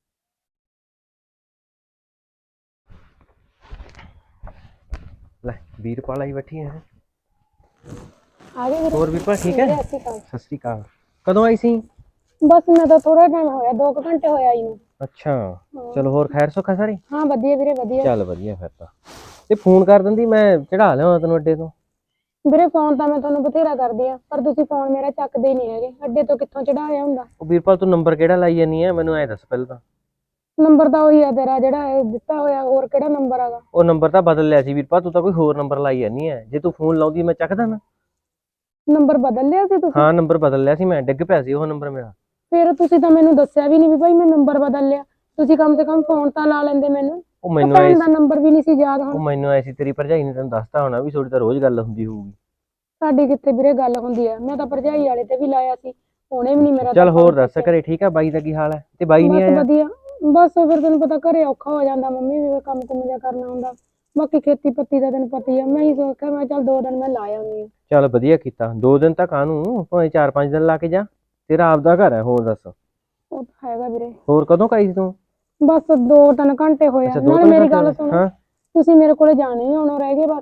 E: ਲੈ ਵੀਰਪਾਲ ਆਈ ਬੈਠੀ ਹੈ।
A: ਆ ਗਏ ਵੀਰੇ?
E: ਹੋਰ ਵੀਰਪਾਲ ਠੀਕ ਹੈ?
A: ਵੀਰੇ, ਸਤਿ ਸ਼੍ਰੀ ਅਕਾਲ।
E: ਸਤਿ ਸ਼੍ਰੀ ਅਕਾਲ। ਕਦੋਂ ਆਈ ਸੀ?
A: ਬਸ ਮੈਂ ਤਾਂ ਥੋੜਾ ਟਾਈਮ ਹੋਇਆ, ਦੋ ਕੁ ਘੰਟੇ ਹੋਇਆ ਆਈ ਨੂੰ।
E: ਅੱਛਾ, ਚਲੋ ਹੋਰ ਖੈਰ ਸੁੱਖਾ ਸਾਰੀ?
A: ਹਾਂ ਵਧੀਆ ਵੀਰੇ, ਵਧੀਆ।
E: ਚੱਲ ਵਧੀਆ ਫਿਰ ਤਾਂ। ਤੇ ਫੋਨ ਕਰ ਦਿੰਦੀ, ਮੈਂ ਚੜਾ ਲਿਆਉਣਾ ਤੈਨੂੰ ਅੱਡੇ ਤੋਂ।
A: ਵੀਰੇ ਫੋਨ ਤਾਂ ਮੈਂ ਤੁਹਾਨੂੰ ਬਥੇਰਾ ਕਰਦੀ ਆ, ਪਰ ਤੁਸੀਂ ਫੋਨ ਮੇਰਾ ਚੱਕਦੇ ਹੀ ਨਹੀਂ ਹੈਗੇ। ਅੱਡੇ ਤੋਂ ਕਿੱਥੋਂ ਚੜਾਇਆ ਹੁੰਦਾ?
E: ਉਹ ਵੀਰਪਾਲ ਤੂੰ ਨੰਬਰ ਕਿਹੜਾ ਲਾਈ ਜਾਨੀ ਹੈ, ਮੈਨੂੰ ਐ ਦੱਸ ਪਹਿਲਾਂ ਤਾਂ।
A: ਨੰਬਰ ਤਾਂ ਉਹੀ ਆ ਤੇਰਾ ਜਿਹੜਾ ਇਹ ਦਿੱਤਾ ਹੋਇਆ, ਹੋਰ ਕਿਹੜਾ ਨੰਬਰ ਹੈਗਾ?
E: ਉਹ ਨੰਬਰ ਤਾਂ ਬਦਲ ਲਿਆ ਸੀ ਵੀਰਪਾਲ, ਤੂੰ ਤਾਂ ਕੋਈ ਹੋਰ ਨੰਬਰ ਲਾਈ ਜਾਨੀ ਹੈ। ਜੇ ਤੂੰ ਫੋਨ ਲਾਉਂਦੀ ਮੈਂ ਚੱਕਦਾ ਨਾ।
A: ਨੰਬਰ ਬਦਲ ਲਿਆ ਸੀ ਤੁਸੀਂ?
E: ਹਾਂ ਨੰਬਰ ਬਦਲ ਲਿਆ ਸੀ ਮੈਂ, ਡਿੱਗ ਪਿਆ ਸੀ ਉਹ ਨੰਬਰ ਮੇਰਾ।
A: ਫਿਰ ਤੁਸੀਂ ਤਾਂ ਮੈਨੂੰ ਦੱਸਿਆ ਵੀ ਨਹੀਂ ਵੀ ਭਾਈ ਮੈਂ ਨੰਬਰ ਬਦਲ ਲਿਆ। ਤੁਸੀਂ ਕਮ ਸੇ ਕਮ ਫੋਨ ਤਾਂ ਲਾ ਲੈਂਦੇ ਮੈਨੂੰ।
E: ਉਹ ਮੈਨੂੰ
A: ਭੈਣ
E: ਐ
A: ਦਾ ਨੰਬਰ ਵੀ ਨਹੀਂ ਸੀ ਯਾਦ
E: ਉਹ
A: ਹੁਣ।
E: ਮੈਨੂੰ ਐ ਸੀ ਤੇਰੀ ਭਰਜਾਈ ਨੇ ਤੈਨੂੰ ਦੱਸਤਾ ਹੋਣਾ ਵੀ ਤੁਹਾਡੀ ਤਾਂ ਰੋਜ਼ ਗੱਲ ਹੁੰਦੀ ਹੋਊਗੀ।
A: ਸਾਡੀ ਕਿੱਥੇ ਵੀਰੇ ਗੱਲ ਹੁੰਦੀ ਆ, ਮੈਂ ਤਾਂ ਭਰਜਾਈ ਵਾਲੇ ਤੇ ਵੀ ਲਾਇਆ ਸੀ, ਉਹਨੇ ਵੀ ਨਹੀਂ ਮੇਰਾ।
E: ਚੱਲ ਹੋਰ ਦੱਸ, ਘਰੇ ਠੀਕ ਆ? ਬਾਈ ਦਾ ਕੀ ਹਾਲ ਹੈ? ਤੇ ਬਾਈ ਨਹੀਂ
A: ਬਸ
E: ਆਇਆ?
A: ਵਧੀਆ, ਬਸ ਫਿਰ ਤੈਨੂੰ ਪਤਾ ਘਰੇ ਔਖਾ ਹੋ ਜਾਂਦਾ, ਮੰਮੀ ਵੀ ਕੰਮ ਕੁਮ ਜਿਹਾ ਕਰਨਾ ਹੁੰਦਾ। ਬਾਕੀ ਖੇਤੀ ਪੱਤੀ ਦਾ ਤੈਨੂੰ ਪਤਾ ਹੀ ਆ। ਮੈਂ ਹੀ ਸੋਚਿਆ ਮੈਂ ਚੱਲ ਦੋ ਦਿਨ ਮੈਂ ਲਾ ਆਉਂਦੀ ਆ।
E: ਚੱਲ ਵਧੀਆ ਕੀਤਾ, ਦੋ ਦਿਨ ਤਾਂ ਕਾਹਨੂੰ, ਭਾਵੇਂ ਚਾਰ ਪੰਜ ਦਿਨ ਲਾ ਕੇ ਜਾ, ਤੇਰਾ ਆਪਦਾ ਘਰ ਹੈ। ਹੋਰ ਦੱਸ।
A: ਉਹ ਤਾਂ ਹੈਗਾ ਵੀਰੇ।
E: ਹੋਰ ਕਦੋਂ ਕਾਈ ਸੀ ਤੂੰ?
A: ਬਸ ਦੋ ਤਿੰਨ ਘੰਟੇ ਹੋਇਆ।
E: ਅੱਛਾ, ਦੋ
A: ਨਾਲੇ
E: ਤਿੰਨ
A: ਮੇਰੀ
E: ਘੰਟੇ
A: ਗੱਲ
E: ਹੋਏ।
A: ਸੁਣੋ,
E: ਹਾਂ
A: ਤੁਸੀਂ ਮੇਰੇ ਕੋਲੇ ਜਾਣੇ ਹੀ ਆਉਣਾ ਰਹਿ ਗਏ ਬਸ।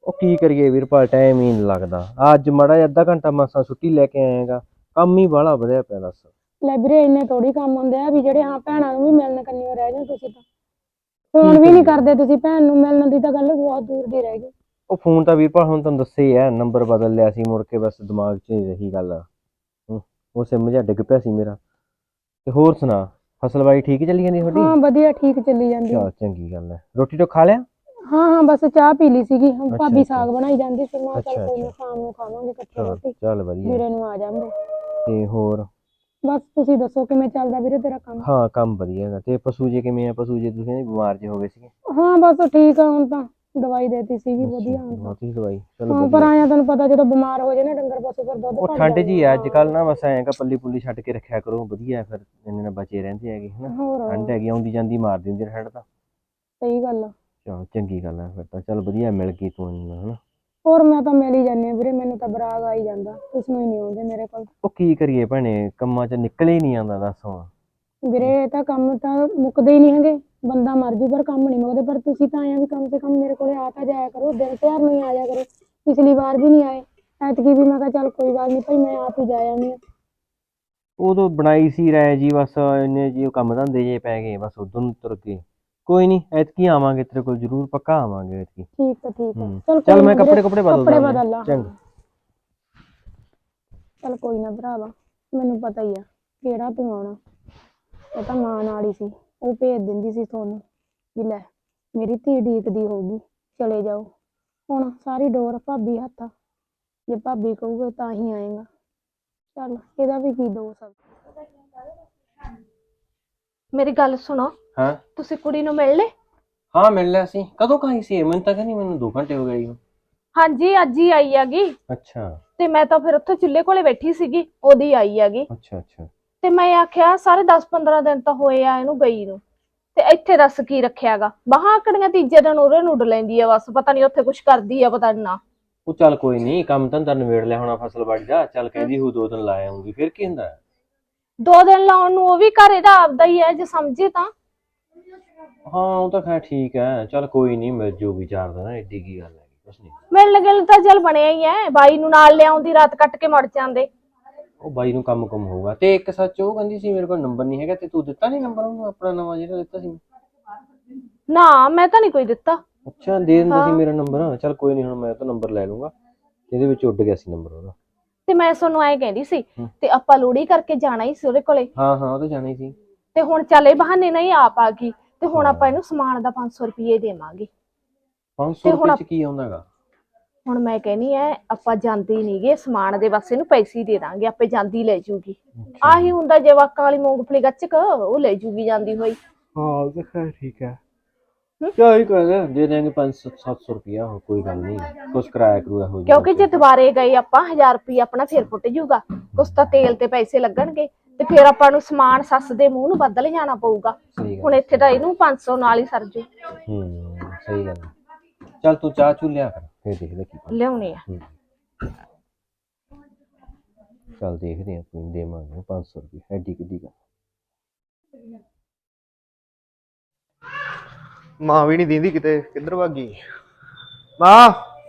E: ਉਹ ਕੀ ਕਰੀਏ ਵੀਰਪਾਲ, ਟਾਈਮ ਹੀ ਨਹੀਂ ਲੱਗਦਾ। ਆਹ ਅੱਜ ਮਾੜਾ ਜਿਹਾ ਅੱਧਾ ਘੰਟਾ ਮਸਾਂ ਛੁੱਟੀ ਲੈ ਕੇ ਆਏਗਾ, ਕੰਮ ਹੀ ਬਾਹਲਾ ਵਧਿਆ ਪਿਆ ਦੱਸ।
A: ਲੈ ਵੀਰੇ ਇੰਨੇ ਥੋੜੀ ਕੰਮ ਹੁੰਦੇ ਆ ਵੀ ਜਿਹੜੇ ਹਾਂ ਭੈਣਾਂ ਨੂੰ ਵੀ ਮਿਲਣ ਕੰਨਿਓ ਰਹਿ ਜਾਓ ਤੁਸੀਂ ਤਾਂ। ਫੋਨ ਵੀ ਨਹੀਂ ਕਰਦੇ ਤੁਸੀਂ ਭੈਣ ਨੂੰ, ਮਿਲਣ ਦੀ ਤਾਂ ਗੱਲ ਬਹੁਤ ਦੂਰ ਦੀ ਰਹਿ ਗਈ।
E: ਉਹ ਫੋਨ ਤਾਂ ਵੀਰਪਾਲ ਹੁਣ ਤੁਹਾਨੂੰ ਦੱਸਿਆ ਹੀ ਹੈ, ਨੰਬਰ ਬਦਲ ਲਿਆ ਸੀ ਮੁੜ ਕੇ, ਬਸ ਦਿਮਾਗ 'ਚ ਹੀ ਰਹੀ ਗੱਲ। ਹੂੰ, ਉਹ ਸਿਮ ਜਿਹਾ ਡਿੱਗ ਪਿਆ ਸੀ ਮੇਰਾ। ਤੇ ਹੋਰ ਸੁਣਾ, ਫਸਲਬਾੜੀ ਠੀਕ ਚੱਲੀ ਜਾਂਦੀ ਤੁਹਾਡੀ?
A: ਹਾਂ ਵਧੀਆ ਠੀਕ ਚੱਲੀ ਜਾਂਦੀ ਆ।
E: ਚਲ ਚੰਗੀ ਗੱਲ ਹੈ। ਰੋਟੀ ਤੋਂ ਖਾ ਲਿਆ?
A: ਹਾਂ ਹਾਂ ਬਸ ਚਾਹ ਪੀ ਲਈ ਸੀਗੀ, ਹੁਣ
E: ਅੱਛਾ,
A: ਭਾਬੀ
E: ਅੱਛਾ।
A: ਸਾਗ ਬਣਾਈ ਜਾਂਦੀ ਸੀ, ਮੈਂ ਕਿਹਾ ਚੱਲ
E: ਅੱਛਾ,
A: ਕੋਈ ਨਾ
E: ਅੱਛਾ।
A: ਸ਼ਾਮ ਨੂੰ ਖਾਵਾਂਗੇ ਇਕੱਠੇ
E: ਚਲ
A: ਰੋਟੀ,
E: ਚੱਲ ਵਧੀਆ।
A: ਵੀਰੇ ਨੂੰ ਆ ਜਾਂਦੇ।
E: ਤੇ ਹੋਰ?
A: ਬਸ ਤੁਸੀਂ ਦੱਸੋ ਕਿਵੇਂ ਚੱਲਦਾ ਵੀਰੇ ਤੇਰਾ ਕੰਮ?
E: ਹਾਂ ਕੰਮ ਵਧੀਆ ਹੈਗਾ। ਤੇ ਪਸ਼ੂ ਜੇ ਕਿਵੇਂ ਆ? ਪਸ਼ੂ ਜੇ ਤੁਸੀਂ ਬਿਮਾਰ ਜੇ ਹੋ ਗਏ ਸੀਗੇ।
A: ਹਾਂ ਬਸ ਠੀਕ ਆ, ਹੁਣ ਤਾਂ ਦਵਾਈ ਦੇਤੀ ਸੀਗੀ ਵਧੀਆ ਹੁਣ ਤਾਂ।
E: ਬਹੁਤ ਹੀ ਦਵਾਈ, ਚਲੋ
A: ਹਾਂ ਪਰ
E: ਵਧੀਆ।
A: ਆਇਆ ਤੈਨੂੰ ਪਤਾ ਜਦੋਂ ਬਿਮਾਰ ਹੋ ਜਾਏ ਨਾ ਡੰਗਰ ਪਸ਼ੂ ਫਿਰ ਦੁੱਧ
E: ਉਹ
A: ਘੱਟ
E: ਠੰਡ
A: ਜਾਂਦਾ।
E: ਜੀ ਆ ਅੱਜ
A: ਹਾਂ
E: ਕੱਲ ਨਾ, ਬਸ ਐਂ ਕਾ ਪੱਲੀ ਪੁੱਲੀ ਛੱਡ ਕੇ ਰੱਖਿਆ ਕਰੋ, ਵਧੀਆ ਫਿਰ ਇੰਨੇ ਨਾਲ ਬਚੇ ਰਹਿੰਦੇ ਹੈਗੇ ਹਨਾ।
A: ਹੋਰ
E: ਠੰਡ ਹੈਗੀ ਆਉਂਦੀ ਜਾਂਦੀ ਮਾਰ ਦਿੰਦੀ ਠੰਡ ਤਾਂ।
A: ਸਹੀ ਗੱਲ ਆ।
E: ਚਲ ਚੰਗੀ ਗੱਲ ਹੈ ਫਿਰ ਤਾਂ, ਚੱਲ ਵਧੀਆ ਮਿਲ ਗਈ ਤੂੰ ਹਨਾ।
A: ਹੋਰ ਮੈਂ ਤਾਂ ਮਿਲ ਹੀ ਜਾਂਦੀ ਹਾਂ ਵੀਰੇ, ਮੈਨੂੰ ਤਾਂ ਬਰਾਗ ਆ ਹੀ ਜਾਂਦਾ, ਤੁਸੀਂ ਹੀ ਨਹੀਂ ਆਉਂਦੇ ਮੇਰੇ ਕੋਲ।
E: ਉਹ ਕੀ ਕਰੀਏ ਭੈਣੇ, ਕੰਮਾਂ 'ਚ ਨਿਕਲ ਹੀ ਨਹੀਂ ਆਉਂਦਾ ਦੱਸ ਹੁਣ।
A: ਵੀਰੇ ਇਹ ਤਾਂ ਕੰਮ ਤਾਂ ਮੁੱਕਦੇ ਹੀ ਨਹੀਂ ਹੈਗੇ, ਬੰਦਾ ਮਰ ਜੂ ਪਰ ਕੰਮ ਨਹੀਂ ਮੁੱਕਦੇ। ਪਰ ਤੁਸੀਂ ਤਾਂ ਆਏ ਵੀ ਕਮ ਸੇ ਕਮ ਮੇਰੇ ਕੋਲੇ ਆ ਤਾਂ ਜਾਇਆ ਕਰੋ, ਦਿਨ ਤਿਉਹਾਰ ਨੂੰ ਹੀ ਆ ਜਾਇਆ ਕਰੋ। ਪਿਛਲੀ ਵਾਰ ਵੀ ਨਹੀਂ ਆਏ, ਐਤਕੀ ਵੀ ਮੈਂ ਕਿਹਾ ਚੱਲ ਕੋਈ ਗੱਲ ਨਹੀਂ ਭਾਈ ਮੈਂ ਆਪ ਹੀ ਜਾ ਆਉਂਦੀ ਹਾਂ।
E: ਉਦੋਂ ਬਣਾਈ ਸੀ ਰਾਏ ਜੀ, ਬਸ ਇੰਨੇ ਜੀ ਉਹ ਕੰਮ ਧੰਦੇ ਜੇ ਪੈ ਗਏ, ਬਸ ਉਦੋਂ ਨੂੰ ਤੁਰ ਗਏ। ਕੋਈ ਨਹੀਂ ਐਤਕੀ ਆਵਾਂਗੇ ਤੇਰੇ ਕੋਲ, ਜ਼ਰੂਰ ਪੱਕਾ ਆਵਾਂਗੇ ਐਤਕੀ।
A: ਠੀਕ ਆ ਠੀਕ ਆ,
E: ਹੂੰ
A: ਚੱਲ
E: ਚੱਲ
A: ਕੋਈ
E: ਮੈਂ
A: ਨਾ ਵੀਰੇ,
E: ਕੱਪੜੇ ਕੁਪੜੇ ਬਦਲਦਾ
A: ਕੱਪੜੇ
E: ਮੈਂ।
A: ਬਦਲ ਲਾ।
E: ਚੰਗਾ।
A: ਚੱਲ ਕੋਈ ਨਾ ਭਰਾਵਾ, ਮੈਨੂੰ ਪਤਾ ਹੀ ਆ ਕਿਹੜਾ ਤੂੰ ਆਉਣਾ। ਉਹ ਤਾਂ ਮਾਂ ਨਾਲ ਹੀ ਸੀ, ਉਹ ਭੇਜ ਦਿੰਦੀ ਸੀ ਤੁਹਾਨੂੰ ਵੀ ਲੈ ਮੇਰੀ ਧੀ ਡੀਕਦੀ ਹੋਊਗੀ, ਚਲੇ ਜਾਓ। ਹੁਣ ਸਾਰੀ ਡੋਰ ਭਾਬੀ ਹੱਥ ਆ, ਜੇ ਭਾਬੀ ਕਹੂਗੇ ਤਾਂ ਹੀ ਆਏਗਾ। ਚੱਲ ਇਹਦਾ ਵੀ ਕੀ ਦੋਸ਼ ਆ।
D: ਮੇਰੀ ਗੱਲ ਸੁਣੋ,
E: ਹਾਂ
D: ਤੁਸੀਂ ਕੁੜੀ ਨੂੰ ਮਿਲ ਲਏ?
E: ਹਾਂ ਮਿਲ ਲਿਆ ਸੀ। ਕਦੋਂ ਕਹਾਈ ਸੀ? ਮੈਨੂੰ ਤਾਂ ਕਹਿੰਦੀ ਮੈਨੂੰ ਦੋ ਘੰਟੇ ਹੋ ਗਏ।
D: ਹਾਂਜੀ ਅੱਜ ਹੀ ਆਈ ਹੈਗੀ।
E: ਅੱਛਾ
D: ਤੇ ਮੈਂ ਤਾਂ ਫਿਰ ਉੱਥੇ ਚੁੱਲ੍ਹੇ ਕੋਲੇ ਬੈਠੀ ਸੀਗੀ, ਉਹਦੀ ਆਈ ਹੈਗੀ।
E: ਅੱਛਾ ਅੱਛਾ।
D: ਤੇ ਮੈਂ ਆਖਿਆ ਸਾਰੇ ਦਸ ਪੰਦਰਾਂ ਦਿਨ ਤਾਂ ਹੋਏ ਆ ਇਹਨੂੰ ਗਈ ਨੂੰ, ਤੇ ਇੱਥੇ ਦੱਸ ਕੀ ਰੱਖਿਆਗਾ। ਬਾਹਾਂ ਆਕੜੀਆਂ ਤੀਜੇ ਦਿਨ ਉਰੇ ਨੂੰ ਉੱਡ ਲੈਂਦੀ ਆ, ਬਸ ਪਤਾ ਨੀ ਉੱਥੇ ਕੁਛ ਕਰਦੀ ਆ ਪਤਾ ਨਾ।
E: ਉਹ ਚੱਲ ਕੋਈ ਨਹੀਂ, ਕੰਮ ਧੰਦਾ ਨਿਬੇੜ ਲਿਆ ਹੋਣਾ ਫਸਲਬਾੜੀ ਦਾ, ਚੱਲ ਕਹਿੰਦੀ ਹੂ ਦੋ ਦਿਨ ਲਾ ਆਉਂਗੀ, ਫਿਰ ਕੀ ਹੁੰਦਾ।
D: ਦੋ ਦਿਨ ਲਾਉਣ ਨੂੰ ਉਹ ਵੀ ਘਰ ਇਹਦਾ ਆਪਦਾ ਹੀ ਹੈ ਜੇ ਸਮਝੇ ਤਾਂ।
E: ਹਾਂ ਉਹ ਤਾਂ ਖੈਰ ਠੀਕ ਹੈ, ਚੱਲ ਕੋਈ ਨਹੀਂ ਮਿਲ ਜੂਗੀ ਚਾਰ ਦਿਨ, ਐਡੀ ਕੀ ਗੱਲ ਹੈਗੀ, ਕੁਛ ਨੀ।
D: ਮਿਲਣ ਗਿਲਣ ਤਾਂ ਚੱਲ ਬਣਿਆ ਹੀ ਹੈ, ਬਾਈ ਨੂੰ ਨਾਲ ਲਿਆਉਂਦੀ ਰਾਤ ਕੱਟ ਕੇ ਮੁੜ ਜਾਂਦੇ।
E: ਉਹ ਬਾਈ ਨੂੰ ਕੰਮ ਕੁਮ ਹੋਊਗਾ। ਤੇ ਇੱਕ ਸੱਚ ਉਹ ਕਹਿੰਦੀ ਸੀ ਮੇਰੇ ਕੋਲ ਨੰਬਰ ਨਹੀਂ ਹੈਗਾ, ਤੇ ਤੂੰ ਦਿੱਤਾ ਨੀ ਨੰਬਰ ਉਹਨੂੰ ਆਪਣਾ ਨਵਾਂ ਜਿਹੜਾ ਦਿੱਤਾ ਸੀ?
D: ਨਾ ਮੈਂ ਤਾਂ ਨਹੀਂ ਕੋਈ ਦਿੱਤਾ।
E: ਅੱਛਾ ਦੇ ਦਿੰਦਾ ਸੀ ਮੇਰਾ ਨੰਬਰ, ਚੱਲ ਕੋਈ ਨਹੀਂ ਹੁਣ ਮੈਂ ਤਾਂ ਨੰਬਰ ਲੈ ਲੂੰਗਾ। ਇਹਦੇ ਵਿੱਚ ਉੱਡ ਗਿਆ ਸੀ ਨੰਬਰ ਉਹਦਾ।
D: ਤੇ ਮੈਂ ਤੁਹਾਨੂੰ ਐਂ ਕਹਿੰਦੀ ਸੀ, ਤੇ ਆਪਾਂ ਲੋਹੜੀ ਕਰਕੇ ਜਾਣਾ ਹੀ ਸੀ ਉਹਦੇ ਕੋਲੇ।
E: ਹਾਂ ਹਾਂ ਉਹ ਤਾਂ ਜਾਣਾ ਹੀ ਸੀ।
D: ਤੇ ਹੁਣ ਚੱਲ ਇਹ ਬਹਾਨੇ ਨਹੀਂ ਆਪ ਆ ਗਈ, ਤੇ ਹੁਣ ਆਪਾਂ ਇਹਨੂੰ ਸਮਾਨ ਦਾ ਪੰਜ ਸੌ ਰੁਪਏ ਦੇਵਾਂਗੇ।
E: ਪੰਜ ਸੌ ਰੁਪਏ ਚ ਕੀ ਆਉਂਦਾ ਹੈਗਾ?
D: ਹੁਣ ਮੈਂ ਕਹਿੰਦੀ ਐ ਆਪਾਂ ਜਾਂਦੇ ਨੀ ਗੇ, ਸਮਾਨ ਦੇ ਬਸ ਇਹਨੂੰ ਪੈਸੇ ਦੇ ਦਾਂਗੇ, ਆਪੇ ਜਾਂਦੀ ਲੈ ਜੂਗੀ। ਆਹੀ ਹੁੰਦਾ ਜਵਾਕਾਂ ਵਾਲੀ ਮੂੰਗਫਲੀ ਗੱਚਕ, ਉਹ ਲੈ ਜੂਗੀ ਜਾਂਦੀ ਹੋਈ।
E: ਹਾਂ ਉਹ ਤਾਂ ਖੈਰ ਠੀਕ ਹੈ, ਚੱਲ ਹੀ ਕਰ ਦੇ ਦੇਂਗੇ ਪੰਜ ਸੱਤ ਸੌ ਰੁਪਇਆ, ਕੋਈ ਗੱਲ ਨਹੀਂ, ਕੁਛ ਕਿਰਾਇਆ ਕਰੂਆ ਹੋ
D: ਕਿਉਂਕਿ ਜੇ ਦੁਬਾਰੇ ਗਏ ਆਪਾਂ ਹਜ਼ਾਰ ਰੁਪਇਆ ਆਪਣਾ ਫੇਰ ਫੁੱਟ ਜੂਗਾ, ਕੁਛ ਤਾਂ ਤੇਲ ਤੇ ਪੈਸੇ ਲੱਗਣਗੇ, ਤੇ ਫੇਰ ਆਪਾਂ ਨੂੰ ਸਮਾਨ ਸੱਸ ਦੇ ਮੂੰਹ ਨੂੰ ਬਦਲ ਜਾਣਾ ਪਊਗਾ। ਹੁਣ ਇੱਥੇ ਤਾਂ ਇਹਨੂੰ ਪੰਜ ਸੌ ਨਾਲ ਹੀ ਸਰ ਜੂ।
E: ਹੂੰ ਸਹੀ ਗੱਲ। ਚੱਲ ਤੂੰ ਚਾਹ ਚੂ ਲਿਆ ਕਰ, ਫੇਰ ਦੇਖਦੇ ਕੀ
D: ਲਿਆਉਣੀ ਆ।
E: ਚੱਲ ਦੇਖਦੇ ਆ, ਕੋਈ ਦੇਵਾਂਗੇ ਪੰਜ ਸੌ ਰੁਪਏ, ਐਡੀ ਕਿੱਡੀ ਗੱਲ।
C: ਮਾਂ ਵੀ ਨਹੀਂ ਦਿੰਦੀ ਕਿਤੇ, ਕਿੱਧਰ ਭੱਗ ਗਈ ਮਾਂ?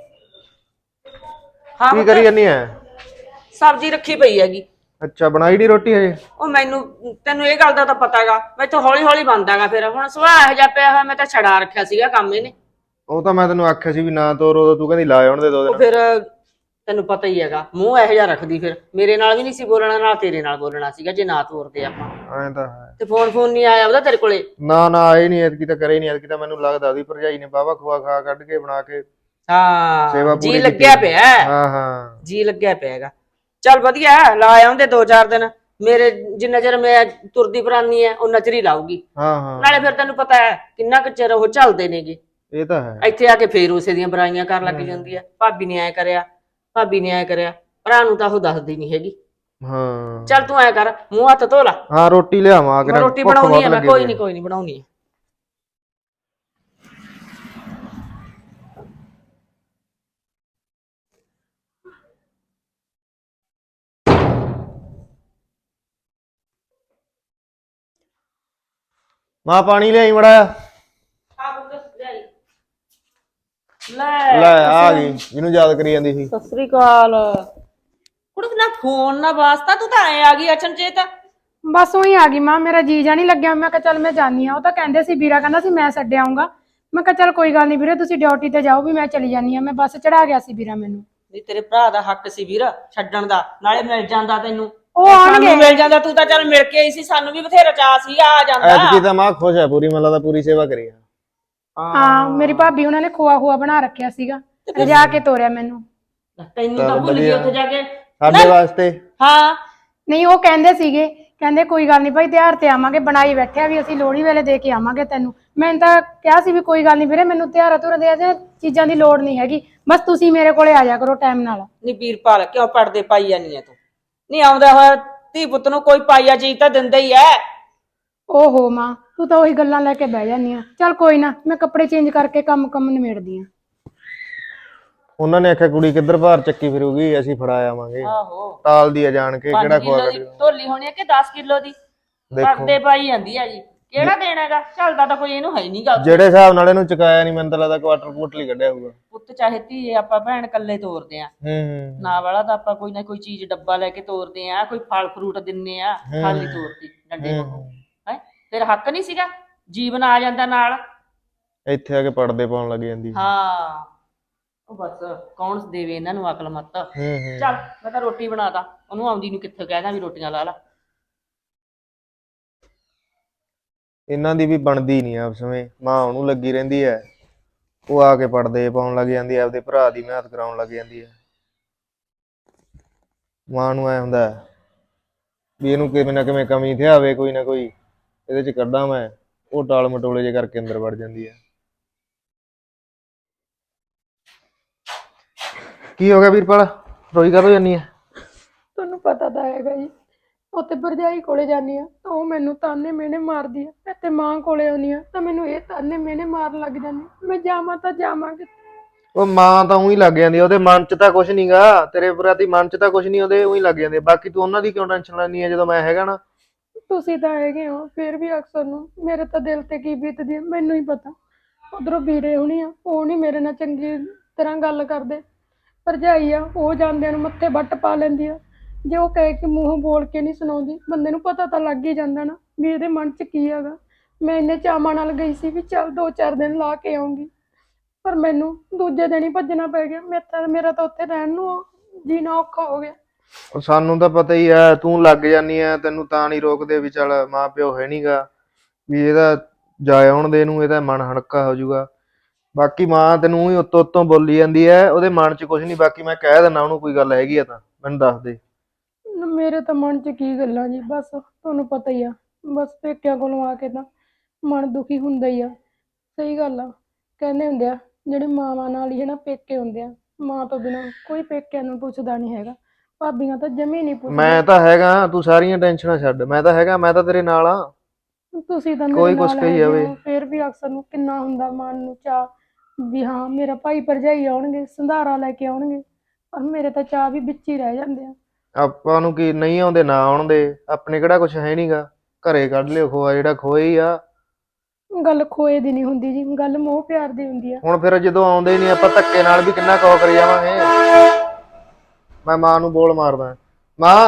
B: ਹਾਂ
C: ਕੀ ਕਰੀ ਜਾਨੀ ਐ?
B: ਸਬਜ਼ੀ ਰੱਖੀ ਪਈ ਹੈਗੀ।
C: ਅੱਛਾ ਬਣਾਈ ਨੀ ਰੋਟੀ ਹਜੇ?
B: ਉਹ ਮੈਨੂੰ ਤੈਨੂੰ ਇਹ ਗੱਲ ਦਾ ਤਾਂ ਪਤਾ ਹੈਗਾ, ਮੈਥੋਂ ਹੌਲੀ ਹੌਲੀ ਬਣਦਾਗਾ। ਫਿਰ ਹੁਣ ਸੁਭਾਅ ਇਹੋ ਜਿਹਾ ਪਿਆ ਹੋਇਆ, ਮੈਂ ਤਾਂ ਛਡਾ ਰੱਖਿਆ ਸੀਗਾ ਕੰਮ ਇਹਨੇ।
C: ਉਹ ਤਾਂ ਮੈਂ ਤੈਨੂੰ ਆਖਿਆ ਸੀ ਵੀ ਨਾ ਤੋਰ, ਉਦੋਂ ਤੂੰ ਕਹਿੰਦੀ ਲਾ ਆਉਣ ਦੇ ਦੋ
B: ਉਹ
C: ਦਿਨ।
B: ਫਿਰ ਤੈਨੂੰ ਪਤਾ ਹੀ ਹੈਗਾ, ਮੂੰਹ ਇਹੋ ਜਿਹਾ ਰੱਖਦੀ, ਫਿਰ ਮੇਰੇ ਨਾਲ ਵੀ ਨਹੀਂ ਸੀ ਬੋਲਣਾ, ਨਾਲ ਤੇਰੇ ਨਾਲ ਬੋਲਣਾ ਸੀਗਾ ਜੇ ਨਾ ਤੋਰਦੇ ਆਪਾਂ।
C: ਐਂ ਤਾਂ ਹੈ।
B: ਤੇ ਫੋਨ ਫੋਨ ਨਹੀਂ ਆਇਆ ਉਹਦਾ ਤੇਰੇ ਕੋਲੇ?
C: ਨਾ ਨਾ ਆਏ ਨਹੀਂ ਐਤਕੀ, ਤਾਂ ਕਰੇ ਨਹੀਂ ਐਤਕੀ, ਤਾਂ ਮੈਨੂੰ ਲੱਗਦਾ ਉਹਦੀ ਭਰਜਾਈ ਨੇ ਬਾਵਾ ਖੁਆ ਖਾ ਕੱਢ ਕੇ ਬਣਾ ਕੇ
B: ਹਾਂ ਜੀ ਲੱਗਿਆ ਪਿਆ।
C: ਹਾਂ ਹਾਂ
B: ਜੀ ਲੱਗਿਆ ਪਿਆ ਹੈਗਾ। ਚੱਲ ਵਧੀਆ, ਲਾ ਆਉਂਦੇ ਦੋ ਚਾਰ ਦਿਨ, ਮੇਰੇ ਜਿੰਨਾ ਚਿਰ ਮੈਂ ਤੁਰਦੀ ਫਰਾਨੀ ਐ ਉਹਨਾਂ ਚਿਰ ਹੀ ਲਾਊਗੀ।
C: ਹਾਂ ਹਾਂ
B: ਨਾਲੇ ਫਿਰ ਤੈਨੂੰ ਪਤਾ ਹੈ ਕਿੰਨਾ ਕੁ ਚਿਰ ਉਹ ਚੱਲਦੇ ਨੇਗੇ।
C: ਇਹ ਤਾਂ ਹੈ।
B: ਇੱਥੇ ਆ ਕੇ ਫੇਰ ਉਸੇ ਦੀਆਂ ਬੁਰਾਈਆਂ ਕਰਨ ਲੱਗ ਜਾਂਦੀ ਹੈ, ਭਾਬੀ ਨੇ ਐ ਕਰਿਆ, ਭਾਬੀ ਨੇ ਐ ਕਰਿਆ, ਭਰਾ ਨੂੰ ਤਾਂ ਉਹ ਦੱਸਦੀ ਨੀ ਹੈਗੀ।
C: ਹਾਂ
B: ਚੱਲ ਤੂੰ ਐ ਕਰ, ਮੂੰਹ ਹੱਥ ਧੋ ਲਾ।
C: ਹਾਂ ਰੋਟੀ ਲਿਆਵਾਂ,
B: ਮੈਂ ਰੋਟੀ ਬਣਾਉਣੀ ਆ, ਮੈਂ ਕੋਈ ਨੀ ਕੋਈ ਨੀ ਬਣਾਉਣੀ ਆ।
C: ਮਾਂ ਪਾਣੀ ਲਿਆਈ ਮੜਾ।
B: ਆਹੋ ਦੱਸ ਲਿਆਈ। ਲੈ
C: ਲੈ ਆ ਗਈ ਜਿਹਨੂੰ ਯਾਦ ਕਰੀ ਜਾਂਦੀ ਸੀ।
B: ਸਤਿ ਸ੍ਰੀ ਅਕਾਲ। ਕੁੜੇ ਨਾ ਫੋਨ ਨਾ ਵਾਸਤਾ ਤੂੰ ਤਾਂ ਐ ਆ ਗਈ ਅਚਨਚੇਤ।
A: ਬਸ ਉਹੀ ਆ ਗਈ ਮਾਂ, ਮੇਰਾ ਜੀ ਜਾ ਨਹੀਂ ਲੱਗਿਆ। ਮੈਂ ਕਿਹਾ ਚੱਲ ਮੈਂ ਜਾਨੀ ਆ। ਉਹ ਤਾਂ ਕਹਿੰਦੇ ਸੀ, ਵੀਰਾ ਕਹਿੰਦਾ ਸੀ ਮੈਂ ਛੱਡ ਆਊਂਗਾ। ਮੈਂ ਕਿਹਾ ਚੱਲ ਕੋਈ ਗੱਲ ਨਹੀਂ ਵੀਰੇ, ਤੁਸੀਂ ਡਿਊਟੀ ਤੇ ਜਾਓ, ਵੀ ਮੈਂ ਚਲੀ ਜਾਨੀ ਆ। ਮੈਂ ਬੱਸ ਚੜਾ ਗਿਆ ਸੀ ਵੀਰਾ ਮੈਨੂੰ।
B: ਨਹੀਂ ਤੇਰੇ ਭਰਾ ਦਾ ਹੱਕ ਸੀ ਵੀਰ ਛੱਡਣ ਦਾ, ਨਾਲੇ ਮਿਲ ਜਾਂਦਾ ਤੈਨੂੰ।
A: ਉਹ
B: ਸਾਨੂੰ
A: ਆਉਣਗੇ।
B: ਮਿਲ ਜਾਂਦਾ, ਤੂੰ ਤਾਂ ਚੱਲ ਮਿਲ ਕੇ ਆਈ ਸੀ, ਸਾਨੂੰ ਵੀ ਬਥੇਰਾ ਚਾਅ ਸੀਗਾ ਆ ਜਾਂਦਾ।
C: ਐਤਕੀ ਤਾਂ ਮਾਂ ਖੁਸ਼ ਹੈ ਪੂਰੀ, ਮੈਨੂੰ ਲੱਗਦਾ ਪੂਰੀ ਸੇਵਾ ਕਰੀ ਆ।
A: ਹਾਂ, ਮੇਰੀ ਭਾਬੀ ਉਹਨਾਂ ਨੇ ਖੋਆ ਖੋਆ ਬਣਾ ਰੱਖਿਆ ਸੀਗਾ, ਰਜਾ ਕੇ ਤੋਰਿਆ ਮੈਨੂੰ।
B: ਤੈਨੂੰ ਤਾਂ
C: ਚੱਲ
B: ਭੁੱਲ ਗਈ
C: ਵਧੀਆ।
B: ਉੱਥੇ ਜਾ ਕੇ।
C: ਸਾਡੇ ਵਾਸਤੇ
B: ਹਾਂ
A: ਨਹੀਂ, ਉਹ ਕਹਿੰਦੇ ਸੀਗੇ, ਕਹਿੰਦੇ ਕੋਈ ਗੱਲ ਨਹੀਂ ਭਾਈ, ਤਿਉਹਾਰ ਤੇ ਆਵਾਂਗੇ, ਬਣਾਈ ਬੈਠਿਆ ਵੀ ਅਸੀਂ ਲੋਹੜੀ ਵੇਲੇ ਦੇ ਕੇ ਆਵਾਂਗੇ ਤੈਨੂੰ। ਮੈਂ ਤਾਂ ਕਿਹਾ ਸੀ ਵੀ ਕੋਈ ਗੱਲ ਨਹੀਂ ਵੀਰੇ, ਮੈਨੂੰ ਤਿਉਹਾਰਾਂ ਤੁਰ ਦੇ ਜਾਂ ਚੀਜ਼ਾਂ ਦੀ ਲੋੜ ਨਹੀਂ ਹੈਗੀ, ਬਸ ਤੁਸੀਂ ਮੇਰੇ ਕੋਲੇ ਆ ਜਾ ਕਰੋ ਟਾਈਮ ਨਾਲ।
B: ਨੀ ਵੀਰਪਾਲ ਕਿਉਂ ਪੜਦੇ ਪਾਈ ਜਾਨੀ ਐ ਤੂੰ? ਨਹੀਂ ਆਉਂਦਾ ਹੋਇਆ ਧੀ ਪੁੱਤ ਨੂੰ ਕੋਈ ਪਾਈਆ ਚੀਜ਼ ਤਾਂ ਦਿੰਦਾ ਹੀ ਐ।
A: ਓਹੋ ਮਾਂ, ਤੂੰ ਤਾਂ ਉਹੀ ਗੱਲਾਂ ਲੈ ਕੇ ਬਹਿ ਜਾਂਦੀ ਆ। ਚੱਲ ਕੋਈ ਨਾ, ਮੈਂ ਕੱਪੜੇ ਚੇਂਜ ਕਰਕੇ ਕੰਮ ਕੰਮ ਨਿਬੇੜਦੀ ਆ।
C: ਉਹਨਾਂ ਨੇ ਆਖਿਆ ਕੁੜੀ ਕਿੱਧਰ ਭਾਰ ਚੱਕੀ ਫਿਰੂਗੀ, ਅਸੀਂ ਫੜਾ ਆਵਾਂਗੇ।
B: ਆਹੋ
C: ਤਾਲਦੀ ਆ ਜਾਣ ਕੇ, ਕਿਹੜਾ
B: ਪੰਜ
C: ਖਵਾ
B: ਕਿਲੋ ਦੀ
C: ਕਰੀ।
B: ਢੋਲੀ ਹੋਣੀ ਐ ਕਿ ਦਸ ਕਿਲੋ ਦੀ?
C: ਦੇਖੋ
B: ਪਰਦੇ ਪਾਈ ਜਾਂਦੀ ਆ ਜੀ। ਕਿਹੜਾ ਦੇਣਾ ਹੈਗਾ? ਚੱਲਦਾ ਤਾਂ ਕੋਈ ਇਹਨੂੰ ਹੈ ਨਹੀਂ ਗਾ।
C: ਜਿਹੜੇ ਹਿਸਾਬ ਨਾਲ ਇਹਨੂੰ ਚੁਕਾਇਆ ਨਹੀਂ, ਮੈਨੂੰ ਤਾਂ ਲੱਗਦਾ ਕੁਆਟਰ ਕੁਆਟਰ ਹੀ ਕੱਢਿਆ ਹੋਊਗਾ।
B: ਪੁੱਤ ਚਾਹੇ ਧੀਏ ਆਪਾਂ ਭੈਣ ਕੱਲੇ ਤੋਰਦੇ ਆ,
C: ਹੂੰ ਹੂੰ
B: ਨਾ ਵਾਲਾ ਤਾਂ ਆਪਾਂ ਕੋਈ ਨਾ ਕੋਈ ਚੀਜ਼ ਡੱਬਾ ਲੈ ਕੇ ਤੋਰਦੇ ਆ, ਕੋਈ ਫਲ ਫਰੂਟ ਦਿੰਨੇ ਆ, ਖਾਲੀ ਤੋਰਦੀ ਡੰਡੇ ਵਾਂਗੂ ਹੈ। ਫਿਰ ਹੱਕ ਨਹੀਂ ਸੀਗਾ? ਜੀਵਨ ਆ ਜਾਂਦਾ ਨਾਲ।
C: ਇੱਥੇ ਆ ਕੇ ਪੜਦੇ ਪਾਉਣ ਲੱਗ ਜਾਂਦੀ।
B: ਹਾਂ ਉਹ ਬਸ ਕੌਣ ਦੇਵੇ ਇਹਨਾਂ ਨੂੰ ਅਕਲ ਮੱਤ।
C: ਹੂੰ ਹੂੰ
B: ਚੱਲ ਮੈਂ ਤਾਂ ਰੋਟੀ ਬਣਾਦਾ, ਉਹਨੂੰ ਆਉਂਦੀ ਨੂੰ ਕਿੱਥੇ ਕਹਿਦਾ ਵੀ ਰੋਟੀਆਂ ਲਾ ਲਾ।
C: ਇਹਨਾਂ ਦੀ ਵੀ ਬਣਦੀ ਨਹੀਂ ਆਪਸ ਵਿੱਚ। ਮਾਂ ਉਹਨੂੰ ਲੱਗੀ ਰਹਿੰਦੀ ਹੈ, ਉਹ ਆ ਕੇ ਪੜਦੇ ਪਾਉਣ ਲੱਗ ਜਾਂਦੀ ਹੈ, ਆਪਦੇ ਭਰਾ ਦੀ ਮਿਹਨਤ ਕਰਾਉਣ ਲੱਗ ਜਾਂਦੀ ਹੈ। ਮਾਂ ਨੂੰ ਐ ਹੁੰਦਾ ਵੀ ਇਹਨੂੰ ਕਿਵੇਂ ਨਾ ਕਿਵੇਂ ਕਮੀ ਤੇ ਆਵੇ, ਕੋਈ ਨਾ ਕੋਈ ਇਹਦੇ ਚ ਕੱਢਾਂ ਮੈਂ। ਉਹ ਟਾਲ ਮਟੋਲੇ ਜੇ ਕਰਕੇ ਅੰਦਰ ਵੜ ਜਾਂਦੀ ਹੈ। ਕੀ ਹੋ ਗਿਆ ਵੀਰਪਾਲ, ਰੋਈ ਕਦੋਂ ਜਾਨੀ ਹੈ?
A: ਤੁਹਾਨੂੰ ਪਤਾ ਤਾਂ ਹੈਗਾ ਜੀ, ਉੱਥੇ ਭਰਜਾਈ ਕੋਲੇ ਜਾਂਦੀ ਆ ਤਾਂ ਉਹ ਮੈਨੂੰ ਤਾਨੇ ਮਿਹਣੇ ਮਾਰਦੀ ਆ, ਇੱਥੇ ਮਾਂ ਕੋਲੇ ਆਉਂਦੀ ਆ ਤਾਂ ਮੈਨੂੰ ਇਹ ਤਾਨੇ ਮਿਹਣੇ ਮਾਰਨ ਲੱਗ ਜਾਂਦੀ। ਮੈਂ ਜਾਵਾਂ ਤਾਂ ਜਾਵਾਂ ਕਿੱਥੇ?
C: ਉਹ ਮਾਂ ਤਾਂ ਉਹੀ ਲੱਗ ਜਾਂਦੀ, ਉਹਦੇ ਮਨ ਚ ਤਾਂ ਕੁਛ ਨਹੀਂਗਾ, ਤੇਰੇ ਪ੍ਰਤੀ ਮਨ ਚ ਤਾਂ ਕੁਛ ਨਹੀਂ, ਉਹਦੇ ਉਹੀ ਲੱਗ ਜਾਂਦੇ। ਬਾਕੀ ਤੂੰ ਉਹਨਾਂ ਦੀ ਕਿਉਂ ਟੈਨਸ਼ਨ ਲੈਂਦੀ ਹੈ ਜਦੋਂ ਮੈਂ ਹੈਗਾ ਨਾ?
A: ਤੁਸੀਂ ਤਾਂ ਹੈਗੇ ਹੋ, ਫਿਰ ਵੀ ਅਕਸਰ ਨੂੰ ਮੇਰੇ ਤਾਂ ਦਿਲ ਤੇ ਕੀ ਬੀਤਦੀ ਹੈ ਮੈਨੂੰ ਹੀ ਪਤਾ। ਉਧਰੋਂ ਵੀਰੇ ਹੋਣੀ ਆ, ਉਹ ਨਹੀਂ ਮੇਰੇ ਨਾਲ ਚੰਗੀ ਤਰ੍ਹਾਂ ਗੱਲ ਕਰਦੇ। ਭਰਜਾਈ ਆ, ਉਹ ਜਾਂਦਿਆਂ ਨੂੰ ਮੱਥੇ ਵੱਟ ਪਾ ਲੈਂਦੀ ਆ। ਜੇ ਉਹ ਕਹੇ ਕਿ ਮੂੰਹੋਂ ਬੋਲ ਕੇ ਨਹੀਂ ਸੁਣਾਉਂਦੀ, ਬੰਦੇ ਨੂੰ ਪਤਾ ਤਾਂ ਲੱਗ ਹੀ ਜਾਂਦਾ ਨਾ ਵੀ ਇਹਦੇ ਮਨ 'ਚ ਕੀ ਹੈਗਾ। ਮੈਂ ਇੰਨੇ ਚਾਵਾਂ ਨਾਲ ਗਈ ਸੀ ਵੀ ਚੱਲ ਦੋ ਚਾਰ ਦਿਨ ਲਾ ਕੇ ਆਉਂਗੀ, ਪਰ ਮੈਨੂੰ ਦੂਜੇ ਦਿਨ ਹੀ ਭੱਜਣਾ ਪੈ ਗਿਆ। ਮੈਂ ਤਾਂ ਮੇਰਾ ਤਾਂ ਉੱਥੇ ਰਹਿਣ ਨੂੰ ਜੀਣਾ ਔਖਾ ਹੋ ਗਿਆ।
C: ਉਹ ਸਾਨੂੰ ਤਾਂ ਪਤਾ ਹੀ ਐ, ਤੂੰ ਲੱਗ ਜਾਨੀ ਐ, ਤੈਨੂੰ ਤਾਂ ਨਹੀਂ ਰੋਕਦੇ ਵੀ ਚੱਲ ਮਾਂ ਪਿਓ ਹੈ ਨਹੀਂਗਾ, ਵੀ ਇਹਦਾ ਜਾ ਆਉਣ ਦੇ ਨੂੰ, ਇਹਦਾ ਮਨ ਹਲਕਾ ਹੋ ਜਾਊਗਾ। ਬਾਕੀ ਮਾਂ ਤੈਨੂੰ ਹੀ ਉੱਤੋਂ ਉੱਤੋਂ ਬੋਲੀ ਜਾਂਦੀ ਐ, ਉਹਦੇ ਮਨ 'ਚ ਕੁਛ ਨਹੀਂ। ਬਾਕੀ ਮੈਂ ਕਹਿ ਦਿੰਦਾ ਉਹਨੂੰ, ਕੋਈ ਗੱਲ ਹੈਗੀ ਆ ਤਾਂ ਮੈਨੂੰ ਦੱਸ ਦੇ।
A: ਮੇਰੇ ਤਾਂ ਮਨ 'ਚ ਕੀ ਗੱਲਾਂ ਜੀ, ਬਸ ਤੁਹਾਨੂੰ ਪਤਾ ਹੀ ਆ, ਬਸ ਪੇਕਿਆਂ ਕੋਲੋਂ ਆ ਕੇ ਤਾਂ ਮਨ ਦੁਖੀ ਹੁੰਦਾ ਹੀ ਆ। ਸਹੀ ਗੱਲ ਆ, ਕਹਿੰਦੇ ਹੁੰਦੇ ਆ ਜਿਹੜੇ ਮਾਵਾਂ ਨਾਲ ਹੀ ਹੈ ਨਾ ਪੇਕੇ ਹੁੰਦੇ ਆ, ਮਾਂ ਤੋਂ ਬਿਨਾਂ ਕੋਈ ਪੇਕਿਆਂ ਨੂੰ ਪੁੱਛਦਾ ਨਹੀਂ ਹੈਗਾ। ਭਾਬੀਆਂ ਤਾਂ ਜਮੀ ਨਹੀਂ ਪੁੱਛਦੀਆਂ।
C: ਮੈਂ ਤਾਂ ਹੈਗਾ, ਤੂੰ ਸਾਰੀਆਂ ਟੈਨਸ਼ਨਾਂ ਛੱਡ, ਮੈਂ ਤਾਂ ਹੈਗਾ, ਮੈਂ ਤਾਂ ਤੇਰੇ ਨਾਲ ਆ।
A: ਤੁਸੀਂ ਤਾਂ ਮੇਰੇ
C: ਕੋਈ ਕੁਛ
A: ਨਾਲ
C: ਕਹੀ
A: ਹੈਗੇ
C: ਜਾਵੇ।
A: ਹੋ, ਫਿਰ ਵੀ ਅਕਸਰ ਨੂੰ ਕਿੰਨਾ ਹੁੰਦਾ ਮਨ ਨੂੰ ਚਾਅ ਵੀ ਹਾਂ ਮੇਰਾ ਭਾਈ ਭਰਜਾਈ ਆਉਣਗੇ, ਸੰਧਾਰਾ ਲੈ ਕੇ ਆਉਣਗੇ, ਪਰ ਮੇਰੇ ਤਾਂ ਚਾਅ ਵੀ ਵਿੱਚ ਹੀ ਰਹਿ ਜਾਂਦੇ ਆ।
C: ਆਪਾਂ ਨੂੰ ਕੀ, ਨਹੀਂ ਆਉਂਦੇ ਨਾ ਆਉਣ ਦੇ, ਆਪਣੇ ਕਿਹੜਾ ਕੁਛ ਹੈ ਨਹੀਂਗਾ। ਘਰੇ ਕੱਢ ਲਿਓ ਖੋਆ, ਜਿਹੜਾ ਖੋਏ ਹੀ ਆ।
A: ਗੱਲ ਖੋਏ ਦੀ ਨਹੀਂ ਹੁੰਦੀ ਜੀ, ਗੱਲ ਮੋਹ ਪਿਆਰ ਦੀ ਹੁੰਦੀ ਆ।
C: ਹੁਣ ਫਿਰ ਜਦੋਂ ਆਉਂਦੇ ਹੀ ਨਹੀਂ, ਆਪਾਂ ਧੱਕੇ ਨਾਲ ਵੀ ਕਿੰਨਾ ਕੋ ਕਰੀ ਜਾਵਾਂਗੇ। ਮੈਂ ਮਾਂ ਨੂੰ ਬੋਲ ਮਾਰਦਾ, ਮਾਂ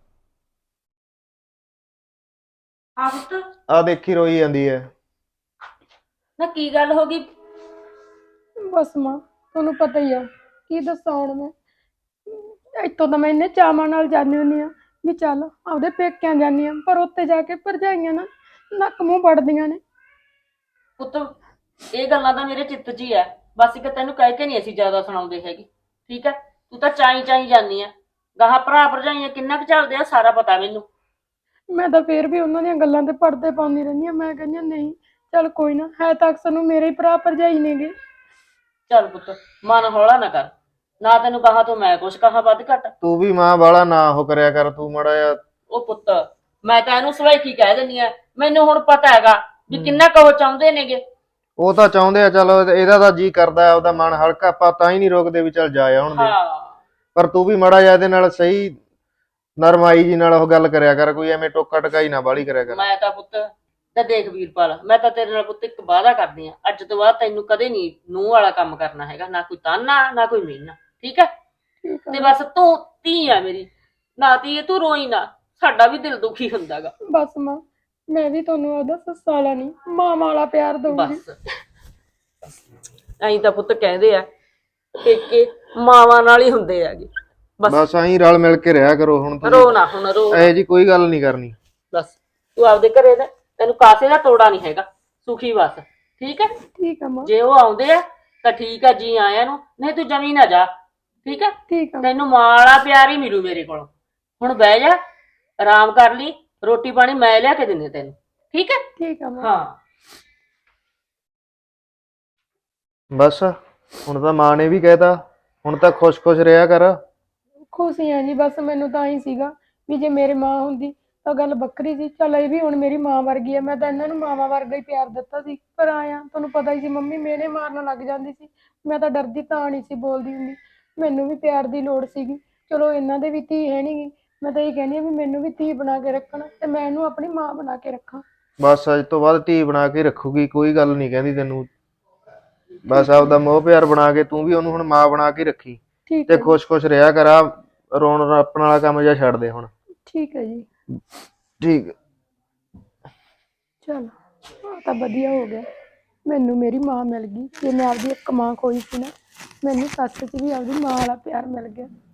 B: ਆ ਪੁੱਤ
C: ਆ ਦੇਖੀ ਰੋਈ ਜਾਂਦੀ ਐ।
B: ਨਾ ਕੀ ਗੱਲ ਹੋ ਗਈ?
A: ਬਸ ਮਾਂ ਤੁਹਾਨੂੰ ਪਤਾ ਹੀ ਆ, ਕੀ ਦੱਸਾਂ ਹੁਣ ਮੈਂ। ਇੱਥੋਂ ਤਾਂ ਮੈਂ ਇੰਨੇ ਚਾਵਾਂ ਨਾਲ ਜਾਂਦੀ ਹੁੰਦੀ ਆ ਵੀ ਚੱਲ ਆਪਦੇ ਪੇਕਿਆਂ ਜਾਂਦੀ ਆ, ਪਰ ਉੱਥੇ ਜਾ ਕੇ ਭਰਜਾਈਆਂ ਨਾ ਨੱਕ ਮੂੰਹ ਵੜਦੀਆਂ ਨੇ।
B: ਪੁੱਤ ਇਹ ਗੱਲਾਂ ਤਾਂ ਮੇਰੇ ਚਿੱਤ 'ਚ ਹੀ ਐ, ਬਸ ਇੱਕ ਤੈਨੂੰ ਕਹਿ ਕੇ ਨਹੀਂ ਅਸੀਂ ਜ਼ਿਆਦਾ ਸੁਣਾਉਂਦੇ ਹੈਗੇ, ਠੀਕ ਐ? ਤੂੰ ਤਾਂ ਚਾਈ ਚਾਈ ਜਾਂਦੀ ਆ, ਗਾਹਾਂ ਭਰਾ ਭਰਜਾਈਆਂ ਕਿੰਨਾ ਕੁ ਚੱਲਦੇ ਆ ਸਾਰਾ ਪਤਾ ਮੈਨੂੰ।
A: ਮੈਂ ਤਾਂ ਫੇਰ ਵੀ ਉਹਨਾਂ ਦੀਆਂ ਗੱਲਾਂ ਤੇ ਪੜਦੇ ਪਾਉਂਦੀ ਰਹਿੰਦੀ ਆ। ਮੈਂ ਕਹਿੰਦੀ ਹਾਂ ਨਹੀਂ ਚੱਲ ਕੋਈ ਨਾ, ਹੈ ਤਾਂ ਅਕਸਰ ਨੂੰ ਮੇਰੇ ਹੀ ਭਰਾ ਭਰਜਾਈ ਨੇਗੇ।
B: ਚੱਲ ਪੁੱਤ ਮਨ ਹੌਲਾ ਨਾ ਕਰ, ਨਾ ਤੈਨੂੰ ਕਹਾ ਤੋਂ ਮੈਂ ਕੁਛ ਕਹਾ ਵੱਧ ਘੱਟ।
C: ਤੂੰ ਵੀ ਮਾਂ ਵਾਲਾ ਨਾ ਉਹ ਕਰਿਆ ਕਰ, ਤੂੰ ਮਾੜਾ ਜਿਹਾ।
B: ਉਹ ਪੁੱਤ ਮੈਂ ਤਾਂ ਇਹਨੂੰ ਸਵੈਖੀ ਕਹਿ ਦਿੰਦੀ ਆ, ਮੈਨੂੰ ਹੁਣ ਪਤਾ ਹੈਗਾ ਵੀ ਕਿੰਨਾ ਕੁ ਉਹ ਚਾਹੁੰਦੇ ਨੇਗੇ।
C: ਉਹ ਤਾਂ ਚਾਹੁੰਦੇ ਆ, ਚਲੋ ਇਹਦਾ ਤਾਂ ਜੀ ਕਰਦਾ ਉਹਦਾ ਮਨ ਹਲਕਾ, ਆਪਾਂ ਤਾਂ ਹੀ ਨਹੀਂ ਰੋਕਦੇ ਵੀ ਚੱਲ ਜਾ ਆਉਣ ਦੇ।
B: ਹਾਂ
C: ਪਰ ਤੂੰ ਵੀ ਮਾੜਾ ਜਿਹਾ ਇਹਦੇ ਨਾਲ ਸਹੀ ਨਰਮਾਈ ਜੀ ਨਾਲ ਉਹ ਗੱਲ ਕਰਿਆ ਕਰ, ਕੋਈ ਐਵੇਂ ਟੋਕਾ ਟਕਾਈ ਨਾ ਬਾਲੀ ਕਰਿਆ ਕਰ।
B: ਮੈਂ ਤਾਂ ਪੁੱਤ ਤਾਂ ਦੇਖ ਵੀਰਪਾਲ, ਮੈਂ ਤਾਂ ਤੇਰੇ ਨਾਲ ਪੁੱਤ ਇੱਕ ਵਾਅਦਾ ਕਰਦੀ ਆ, ਅੱਜ ਤੋਂ ਬਾਅਦ ਤੈਨੂੰ ਕਦੇ ਨਹੀਂ ਨੂੰਹ ਵਾਲਾ ਕੰਮ ਕਰਨਾ ਹੈਗਾ, ਨਾ ਕੋਈ ਤਾਨਾ ਨਾ ਕੋਈ ਮਿਹਨਾ, ਠੀਕ ਹੈ?
A: ਠੀਕ
B: ਤੇ
A: ਆ
B: ਬਸ ਤੂੰ ਧੀ ਆ ਮੇਰੀ, ਨਾ ਧੀਏ ਤੂੰ ਰੋਈ ਨਾ, ਸਾਡਾ ਵੀ ਦਿਲ ਦੁਖੀ ਹੁੰਦਾਗਾ।
A: ਬਸ ਮਾਂ, ਮੈਂ ਵੀ ਤੁਹਾਨੂੰ ਉਹਦਾ ਸੱਸਾ ਵਾਲਾ ਨਹੀਂ ਮਾਂ ਵਾਲਾ ਪਿਆਰ ਦਊਂਗੀ।
B: ਬਸ ਐਂ ਤਾਂ ਪੁੱਤ ਕਹਿੰਦੇ ਆ ਪੇਕੇ ਮਾਵਾਂ ਨਾਲ ਹੀ ਹੁੰਦੇ ਹੈਗੇ। ਬਸ
C: ਬਸ ਐਂ ਰਲ ਮਿਲ ਕੇ ਰਿਹਾ ਕਰੋ ਹੁਣ
B: ਰੋ
C: ਤੁਸੀਂ,
B: ਨਾ ਹੁਣ, ਰੋ ਨਾ।
C: ਇਹ ਜੀ ਕੋਈ ਗੱਲ ਨਹੀਂ ਕਰਨੀ।
B: ਬਸ ਤੂੰ ਆਪਦੇ ਘਰੇ ਦਾ, ਤੈਨੂੰ ਕਾਸੇ ਦਾ ਤੋੜਾ ਨਹੀਂ ਹੈਗਾ, ਸੁਖੀ ਬਸ, ਠੀਕ ਹੈ?
A: ਠੀਕ ਆ ਮਾਂ,
B: ਜੇ ਉਹ ਆਉਂਦੇ ਆ ਤਾਂ ਠੀਕ ਆ, ਜੀ ਆਇਆਂ ਨੂੰ, ਨਹੀਂ ਤੂੰ ਜਮੀ ਨਾ ਜਾ, ਠੀਕ ਹੈ?
A: ਠੀਕ ਆ ਮਾਂ।
B: ਤੈਨੂੰ ਮਾਂ ਵਾਲਾ ਪਿਆਰ ਹੀ ਮਿਲੂ ਮੇਰੇ ਕੋਲੋਂ। ਹੁਣ ਬਹਿ ਜਾ, ਆਰਾਮ ਕਰ ਲਈ, ਰੋਟੀ ਪਾਣੀ ਮੈਂ ਲਿਆ ਕੇ ਦਿੰਦੀ ਤੈਨੂੰ, ਠੀਕ ਹੈ?
A: ਠੀਕ ਆ ਮਾਂ।
B: ਹਾਂ
C: ਬਸ ਹੁਣ ਤਾਂ ਮਾਂ ਨੇ ਵੀ ਕਹਿਤਾ, ਹੁਣ ਤਾਂ ਖੁਸ਼-ਖੁਸ਼ ਰਿਹਾ ਕਰ।
A: ਖੁਸ਼ੀ ਆ ਜੀ, ਬਸ ਮੈਨੂੰ ਤਾਂ ਹੀ ਸੀਗਾ ਵੀ ਜੇ ਮੇਰੀ ਮਾਂ ਹੁੰਦੀ ਤਾਂ ਗੱਲ ਵੱਖਰੀ ਸੀ। ਚੱਲ ਇਹ ਵੀ ਹੁਣ ਮੇਰੀ ਮਾਂ ਵਰਗੀ ਆ, ਮੈਂ ਤਾਂ ਇਹਨਾਂ ਨੂੰ ਮਾਵਾਂ ਵਰਗਾ ਹੀ ਪਿਆਰ ਦਿੱਤਾ ਸੀ, ਪਰ ਆਇਆ ਤੁਹਾਨੂੰ ਪਤਾ ਹੀ ਸੀ ਮੰਮੀ ਮੇਨੇ ਮਾਰਨ ਲੱਗ ਜਾਂਦੀ ਸੀ, ਮੈਂ ਤਾਂ ਡਰਦੀ ਤਾਂ ਨਹੀਂ ਸੀ ਬੋਲਦੀ ਹੁੰਦੀ, ਮੈਨੂੰ ਵੀ ਪਿਆਰ ਦੀ ਲੋੜ ਸੀਗੀ। ਚਲੋ ਇਹਨਾਂ ਦੇ ਵੀ ਧੀ ਹੈ ਨੀ ਗੀ, ਮੈਂ ਤਾਂ ਇਹ ਕਹਿੰਦੀ ਆ ਵੀ ਮੈਨੂੰ ਵੀ ਧੀ ਬਣਾ ਕੇ ਰੱਖਣ ਤੇ ਮੈਂ ਇਹਨੂੰ ਆਪਣੀ ਮਾਂ ਬਣਾ ਕੇ ਰੱਖਾਂ।
C: ਬਸ ਅੱਜ ਤੋਂ ਬਾਅਦ ਧੀ ਬਣਾ ਕੇ ਰੱਖੂਗੀ, ਕੋਈ ਗੱਲ ਨਹੀਂ ਕਹਿੰਦੀ ਤੈਨੂੰ। ਬਸ ਆਪਦਾ ਮੋਹ ਪਿਆਰ ਬਣਾ ਕੇ ਤੂੰ ਵੀ ਉਹਨੂੰ ਹੁਣ ਮਾਂ ਬਣਾ ਕੇ ਰੱਖੀ,
A: ਠੀਕ
C: ਤੇ
A: ਹੈ ਜੀ,
C: ਖੁਸ਼-ਖੁਸ਼ ਰਿਹਾ ਕਰ। ਆ ਰੋਣ ਰੱਪਣ ਵਾਲਾ ਕੰਮ ਜਿਹਾ ਛੱਡ ਦੇ ਹੁਣ।
A: ਠੀਕ ਹੈ ਜੀ।
C: ਠੀਕ।
A: ਚਲ ਆ ਤਾਂ ਵਧੀਆ ਹੋ ਗਿਆ, ਮੈਨੂੰ ਮੇਰੀ ਮਾਂ ਮਿਲ ਗਈ। ਜੇ ਮੈਂ ਆਪਦੀ ਇੱਕ ਮਾਂ ਖੋਈ ਸੀ ਨਾ, ਮੈਨੂੰ ਸੱਸ 'ਚ ਵੀ ਆਪਦੀ ਮਾਂ ਵਾਲਾ ਪਿਆਰ ਮਿਲ ਗਿਆ।